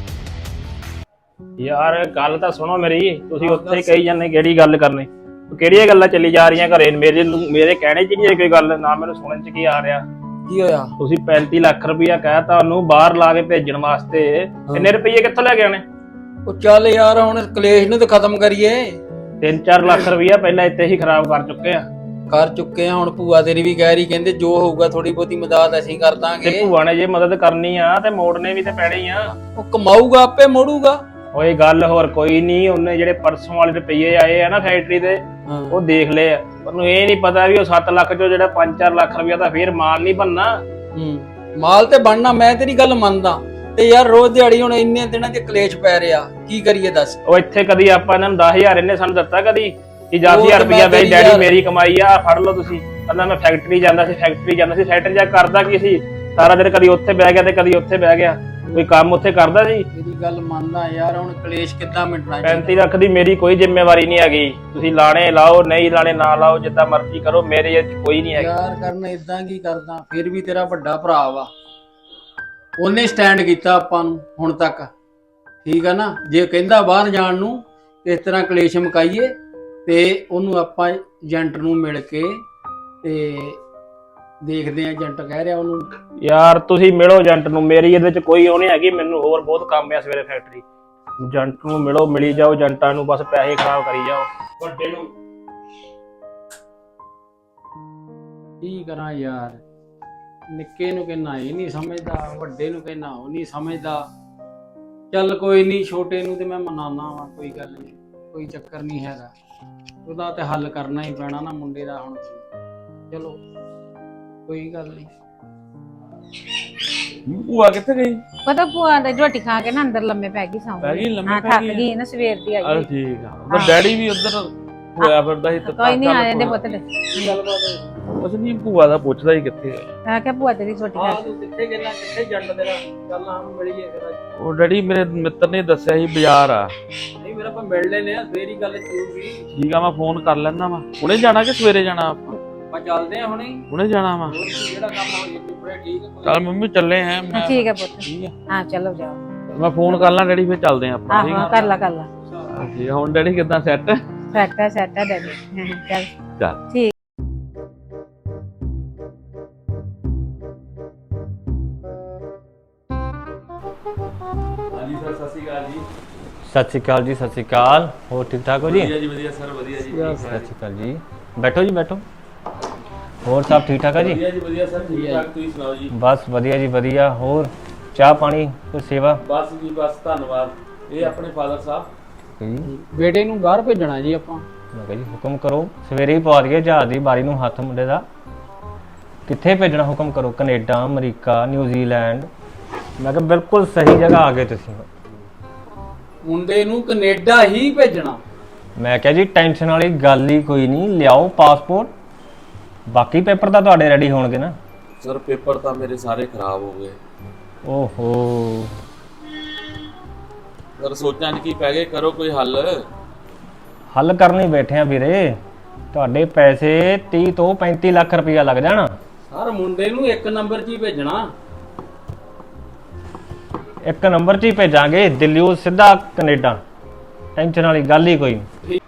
Speaker 3: ਯਾਰ ਗੱਲ ਤਾਂ ਸੁਣੋ ਮੇਰੀ, ਤੁਸੀਂ ਉੱਥੇ ਹੀ ਕਹੀ ਜਾਂਦੇ ਕਿਹੜੀ ਗੱਲ ਕਰਨੀ, ਕਿਹੜੀਆਂ ਗੱਲਾਂ ਚੱਲੀ ਜਾ ਰਹੀਆਂ ਘਰੇ। ਮੇਰੇ ਕਹਿਣੇ ਚ ਨਹੀਂ ਕੋਈ ਗੱਲ, ਨਾ ਮੈਨੂੰ ਸੁਣਨ ਚ ਕੀ ਆ ਰਿਹਾ।
Speaker 2: ਕੀ ਹੋਇਆ?
Speaker 3: ਤੁਸੀਂ 35 ਲੱਖ ਰੁਪਇਆ ਕਹਿਤਾ ਉਹਨੂੰ ਬਾਹਰ ਲਾ ਕੇ ਭੇਜਣ ਵਾਸਤੇ, ਕਿੰਨੇ ਰੁਪਏ ਕਿੱਥੋਂ ਲੈ ਕੇ ਆਣੇ?
Speaker 2: ਉਹ ਚੱਲ ਯਾਰ ਹੁਣ ਕਲੇਸ਼ ਨੂੰ ਤਾਂ ਖਤਮ ਕਰੀਏ।
Speaker 3: 3-4 ਲੱਖ ਰੁਪਇਆ ਪਹਿਲਾਂ ਇੱਥੇ ਹੀ ਖਰਾਬ ਕਰ ਚੁੱਕੇ ਆ।
Speaker 2: ਕਰ ਚੁੱਕੇ ਆ, ਹੁਣ ਭੂਆ ਤੇਰੀ ਵੀ ਕਹਿ ਰਹੀ, ਕਹਿੰਦੇ ਜੋ ਹੋਊਗਾ ਥੋੜੀ ਬਹੁਤੀ ਮਦਦ ਅਸੀਂ ਕਰ
Speaker 3: ਤੇ
Speaker 2: ਦਾਂਗੇ।
Speaker 3: ਭੂਆ ਨੇ ਜੇ ਮਦਦ ਕਰਨੀ ਆ ਤੇ ਮੋੜਨੇ ਵੀ ਤੇ ਪੈਣੀ ਆ।
Speaker 2: ਉਹ ਕਮਾਊਗਾ ਆਪੇ ਮੋੜੂਗਾ।
Speaker 3: ਓਏ ਗੱਲ ਹੋਰ ਕੋਈ ਨਹੀਂ, ਉਹਨੇ ਜਿਹੜੇ ਪਰਸੋਂ ਵਾਲੇ ਰੁਪਏ ਆਏ ਆ ਨਾ ਫੈਕਟਰੀ ਦੇ,
Speaker 2: ਹਾਂ।
Speaker 3: ਉਹ ਦੇਖ ਲਏ ਆ। ਉਹਨੂੰ ਇਹ ਨਹੀਂ ਪਤਾ ਵੀ ਉਹ 7 ਲੱਖ ਚੋਂ ਜਿਹੜਾ 5-4 ਲੱਖ ਰੁਪਇਆ ਤਾਂ ਫੇਰ ਮਾਲ ਨਹੀਂ ਬਣਨਾ।
Speaker 2: ਮਾਲ ਤੇ ਬਣਨਾ, ਮੈਂ ਤੇਰੀ ਗੱਲ ਮੰਨਦਾ, ਤੇ ਯਾਰ ਰੋਜ਼ ਦਿਹਾੜੀ ਹੁਣ ਇੰਨੇ ਦਿਨਾਂ ਦੇ ਕਲੇਸ਼ ਪੈ ਰਿਹਾ, ਕੀ ਕਰੀਏ ਦੱਸ।
Speaker 3: ਉਹ ਇੱਥੇ ਕਦੀ ਆਪਾਂ ਇਹਨਾਂ ਨੂੰ 10,000 ਇਹਨੇ ਸਾਨੂੰ ਦਿੱਤਾ ਕਦੀ ਕਿ
Speaker 2: ਉਹ
Speaker 3: 10,000
Speaker 2: ਤੇ
Speaker 3: ਰੁਪਇਆ
Speaker 2: ਮੈਂ
Speaker 3: ਬਈ
Speaker 2: ਤੇਰੀ
Speaker 3: ਡੈਡੀ
Speaker 2: ਯਾਰ-
Speaker 3: ਮੇਰੀ ਕਮਾਈ ਆ, ਫੜ ਲਓ ਤੁਸੀਂ। ਕਹਿੰਦਾ ਮੈਂ ਫੈਕਟਰੀ ਜਾਂਦਾ ਸੀ ਫੈਕਟਰੀ ਜਾ ਕਰਦਾ ਕੀ ਸੀ ਸਾਰਾ ਦਿਨ, ਕਦੀ ਉੱਥੇ ਬਹਿ ਗਿਆ ਤੇ ਕਦੀ ਉੱਥੇ ਬਹਿ ਗਿਆ, ਕੋਈ ਕੰਮ ਉੱਥੇ ਕਰਦਾ ਸੀ।
Speaker 2: ਤੇਰੀ ਗੱਲ ਮੰਨਦਾ ਯਾਰ, ਹੁਣ ਕਲੇਸ਼ ਕਿੱਦਾਂ ਮਿਟਣਾ।
Speaker 3: 35 ਲੱਖ ਦੀ ਮੇਰੀ ਕੋਈ ਜ਼ਿੰਮੇਵਾਰੀ ਨਹੀਂ ਹੈਗੀ, ਤੁਸੀਂ ਲਾਣੇ ਲਾਓ ਨਹੀਂ ਲਾਣੇ ਨਾ ਲਾਓ, ਜਿੱਦਾਂ ਮਰਜ਼ੀ ਕਰੋ, ਮੇਰੇ ਇਹ 'ਚ ਕੋਈ ਨਹੀਂ ਹੈਗੀ।
Speaker 2: ਯਾਰ ਕਰਨ ਇਦਾਂ ਕੀ ਕਰਦਾ, ਫਿਰ ਵੀ ਤੇਰਾ ਵੱਡਾ ਭਰਾ ਵਾ, ਉਹਨੇ ਸਟੈਂਡ ਕੀਤਾ ਆਪਾਂ ਨੂੰ ਹੁਣ ਤੱਕ, ਠੀਕ ਆ ਨਾ। ਜੇ ਕਹਿੰਦਾ ਬਾਹਰ ਜਾਣ ਨੂੰ ਇਸ ਤਰ੍ਹਾਂ ਕਲੇਸ਼ ਮੁਕਾਈਏ, ਤੇ ਉਹਨੂੰ ਆਪਾਂ ਏਜੰਟ ਨੂੰ ਮਿਲ ਕੇ ਤੇ ਦੇਖਦੇ ਆ। ਏਜੰਟ ਕਹਿ ਰਿਹਾ ਉਹਨੂੰ,
Speaker 3: ਯਾਰ ਤੁਸੀਂ ਮਿਲੋ ਏਜੰਟ ਨੂੰ, ਮੇਰੀ ਇਹਦੇ 'ਚ ਕੋਈ ਉਹ ਨਹੀਂ ਹੈਗੀ, ਮੈਨੂੰ ਹੋਰ ਬਹੁਤ ਕੰਮ ਆ ਸਵੇਰੇ ਫੈਕਟਰੀ। ਏਜੰਟ ਨੂੰ ਮਿਲੋ, ਮਿਲੀ ਜਾਓ ਏਜੰਟਾਂ ਨੂੰ, ਬਸ ਪੈਸੇ ਖਰਾਬ ਕਰੀ ਜਾਓ ਵੱਡੇ ਨੂੰ।
Speaker 2: ਕੀ ਕਰਾਂ ਯਾਰ, ਨਿੱਕੇ ਨੂੰ ਕਹਿਣਾ ਇਹ ਨਹੀਂ ਸਮਝਦਾ, ਵੱਡੇ ਨੂੰ ਕਹਿਣਾ ਉਹ ਨਹੀਂ ਸਮਝਦਾ। ਚੱਲ ਕੋਈ ਨਹੀਂ, ਛੋਟੇ ਨੂੰ ਤੇ ਮੈਂ ਮਨਾਨਾ ਵਾ, ਕੋਈ ਗੱਲ ਨਹੀਂ, ਕੋਈ ਚੱਕਰ ਨਹੀਂ ਹੈਗਾ। ਉਹਦਾ ਤੇ ਹੱਲ ਕਰਨਾ ਹੀ ਪੈਣਾ ਨਾ ਮੁੰਡੇ ਦਾ ਹੁਣ। ਚਲੋ ਕੋਈ ਗੱਲ ਨਹੀਂ।
Speaker 7: ਭੂਆ ਕਿੱਥੇ ਗਈ?
Speaker 5: ਪਤਾ ਭੂਆ ਦਾ ਰੋਟੀ ਖਾ ਕੇ ਨਾ ਅੰਦਰ ਲੰਮੇ ਪੈ ਗਈ ਸੌਂ
Speaker 7: ਪੈ ਗਈ ਲੰਮੇ
Speaker 5: ਹਾਂ,
Speaker 7: ਪੈ
Speaker 5: ਥੱਕ
Speaker 7: ਗਈ?
Speaker 5: ਗਈ ਨਾ, ਸਵੇਰ ਦੀ ਆਈ
Speaker 7: ਅਰੇ
Speaker 5: ਹੋਈ।
Speaker 7: ਠੀਕ ਆ, ਉਹ ਡੈਡੀ ਵੀ ਉਧਰ ਹੋਇਆ ਫਿਰਦਾ ਸੀ।
Speaker 5: ਕੋਈ ਨਹੀਂ ਆ ਜਾਂਦੇ ਪੁੱਤ ਦੇ।
Speaker 7: ਕੁਛ ਨਹੀਂ, ਭੂਆ ਦਾ ਪੁੱਛਦਾ ਹੀ ਕਿੱਥੇ ਆ।
Speaker 5: ਮੈਂ ਕਿਹਾ ਭੂਆ ਤੇਰੀ ਰੋਟੀ ਖਾ
Speaker 2: ਹਾਂ ਤੂੰ ਕਿੱਥੇ ਗਿਆ, ਕਿੱਥੇ ਜੰਡ ਤੇਰਾ, ਚੱਲ ਹਾਂ ਮਿਲੀਏ ਫਿਰ।
Speaker 7: ਉਹ ਡੈਡੀ ਮੇਰੇ ਮਿੱਤਰ ਨੇ ਦੱਸਿਆ ਸੀ ਬਾਜ਼ਾਰ ਆ।
Speaker 2: ਨਹੀਂ ਮੇਰਾ ਆਪਾਂ ਮਿਲ ਲੈਨੇ ਆ, ਫੇਰ ਹੀ ਗੱਲ ਚੂਗੀ।
Speaker 7: ਠੀਕ ਆ, ਮੈਂ ਫੋਨ ਕਰ ਲੈਂਦਾ ਵਾ। ਹੁਣੇ ਜਾਣਾ ਕਿ ਸਵੇਰੇ ਜਾਣਾ ਆਪਾਂ?
Speaker 2: ਆਪਾਂ ਚੱਲਦੇ ਆ ਹੁਣੇ,
Speaker 7: ਹੁਣੇ ਜਾਣਾ ਵਾ।
Speaker 2: ਜਿਹੜਾ ਕੰਮ ਹੋ ਜੇ ਪੂਰੇ ਠੀਕ ਆ।
Speaker 7: ਚੱਲ ਮੰਮੀ ਚੱਲੇ ਆ ਮੈਂ।
Speaker 5: ਠੀਕ ਹੈ ਪੁੱਤ,
Speaker 7: ਠੀਕ ਆ,
Speaker 5: ਹਾਂ ਚਲੋ ਜਾਓ।
Speaker 7: ਮੈਂ ਫੋਨ ਕਰ ਲਾਂ ਡੈਡੀ, ਫਿਰ ਚੱਲਦੇ ਆ ਆਪਾਂ। ਠੀਕ
Speaker 5: ਆਹੋ
Speaker 7: ਆ
Speaker 5: ਕਰ ਲਾ
Speaker 7: ਠੀਕ ਆ। ਹੁਣ ਡੈਡੀ ਕਿੱਦਾਂ ਸੈੱਟ?
Speaker 5: ਸੈਟ ਹੈ ਡੈਡੀ। ਚੱਲ
Speaker 7: ਚੱਲ
Speaker 5: ਠੀਕ।
Speaker 7: ਹਾਂਜੀ ਸਰ, ਸਤਿ ਸ਼੍ਰੀ ਅਕਾਲ ਜੀ।
Speaker 6: ਸਤਿ ਸ਼੍ਰੀ ਅਕਾਲ ਜੀ, ਸਤਿ ਸ਼੍ਰੀ ਅਕਾਲ। ਹੋਰ ਠੀਕ ਠਾਕ ਹੋ ਜੀ?
Speaker 7: ਵਧੀਆ ਜੀ, ਵਧੀਆ ਸਰ, ਵਧੀਆ ਜੀ।
Speaker 6: ਸਤਿ ਸ਼੍ਰੀ ਅਕਾਲ ਜੀ, ਬੈਠੋ ਜੀ ਬੈਠੋ। ਹੋਰ ਸਭ ਠੀਕ ਠਾਕ ਆ ਜੀ?
Speaker 7: ਵਧੀਆ ਜੀ, ਵਧੀਆ ਸਰ, ਠੀਕ ਠਾਕ। ਤੁਸੀਂ ਸੁਣਾਓ ਜੀ?
Speaker 6: ਬਸ ਵਧੀਆ ਜੀ ਵਧੀਆ। ਹੋਰ ਚਾਹ ਪਾਣੀ ਕੋਈ ਸੇਵਾ?
Speaker 7: ਬਸ ਜੀ ਬਸ, ਧੰਨਵਾਦ। ਇਹ ਆਪਣੇ ਫਾਦਰ ਸਾਹਿਬ।
Speaker 6: ਜੀ
Speaker 2: ਬੇਟੇ ਨੂੰ ਬਾਹਰ ਭੇਜਣਾ ਜੀ ਆਪਾਂ।
Speaker 6: ਮੈਂ ਕਿਹਾ ਜੀ ਹੁਕਮ ਕਰੋ, ਸਵੇਰੇ ਹੀ ਪਾ ਦਈਏ ਜਹਾਜ਼ ਦੀ ਬਾਰੀ ਨੂੰ ਹੱਥ ਮੁੰਡੇ ਦਾ। ਕਿੱਥੇ ਭੇਜਣਾ ਹੁਕਮ ਕਰੋ, ਕੈਨੇਡਾ, ਅਮਰੀਕਾ, ਨਿਊਜ਼ੀਲੈਂਡ। ਮੈਂ ਕਿਹਾ ਬਿਲਕੁਲ ਸਹੀ ਜਗ੍ਹਾ ਆ ਗਏ ਤੁਸੀਂ।
Speaker 2: ਮੁੰਡੇ ਨੂੰ ਕੈਨੇਡਾ ਹੀ ਭੇਜਣਾ।
Speaker 6: ਮੈਂ ਕਿਹਾ ਜੀ ਟੈਨਸ਼ਨ ਵਾਲੀ ਗੱਲ ਹੀ ਕੋਈ ਨਹੀਂ, ਲਿਆਓ ਪਾਸਪੋਰਟ, ਬਾਕੀ ਪੇਪਰ ਤਾਂ ਤੁਹਾਡੇ ਰੈਡੀ ਹੋਣਗੇ ਨਾ।
Speaker 7: ਸਰ ਪੇਪਰ ਤਾਂ ਮੇਰੇ ਸਾਰੇ ਖਰਾਬ ਹੋ ਗਏ।
Speaker 6: ਓਹੋ,
Speaker 7: ਸਰ ਸੋਚਾਂ ਕੀ ਪੈ ਗਏ, ਕਰੋ ਕੋਈ ਹੱਲ।
Speaker 6: ਹੱਲ ਕਰਨ ਹੀ ਬੈਠੇ ਆ ਵੀਰੇ। ਤੁਹਾਡੇ ਪੈਸੇ 30 ਤੋਂ 35 ਲੱਖ ਰੁਪਇਆ ਲੱਗ ਜਾਣਾ।
Speaker 2: ਸਰ ਮੁੰਡੇ ਨੂੰ ਇੱਕ ਨੰਬਰ 'ਚ ਹੀ ਭੇਜਣਾ।
Speaker 6: ਇੱਕ ਨੰਬਰ 'ਚ ਹੀ ਭੇਜਾਂਗੇ, ਦਿੱਲੀੋਂ ਸਿੱਧਾ ਕੈਨੇਡਾ। ਟੈਨਸ਼ਨ ਵਾਲੀ ਗੱਲ ਹੀ ਕੋਈ ਨਹੀਂ।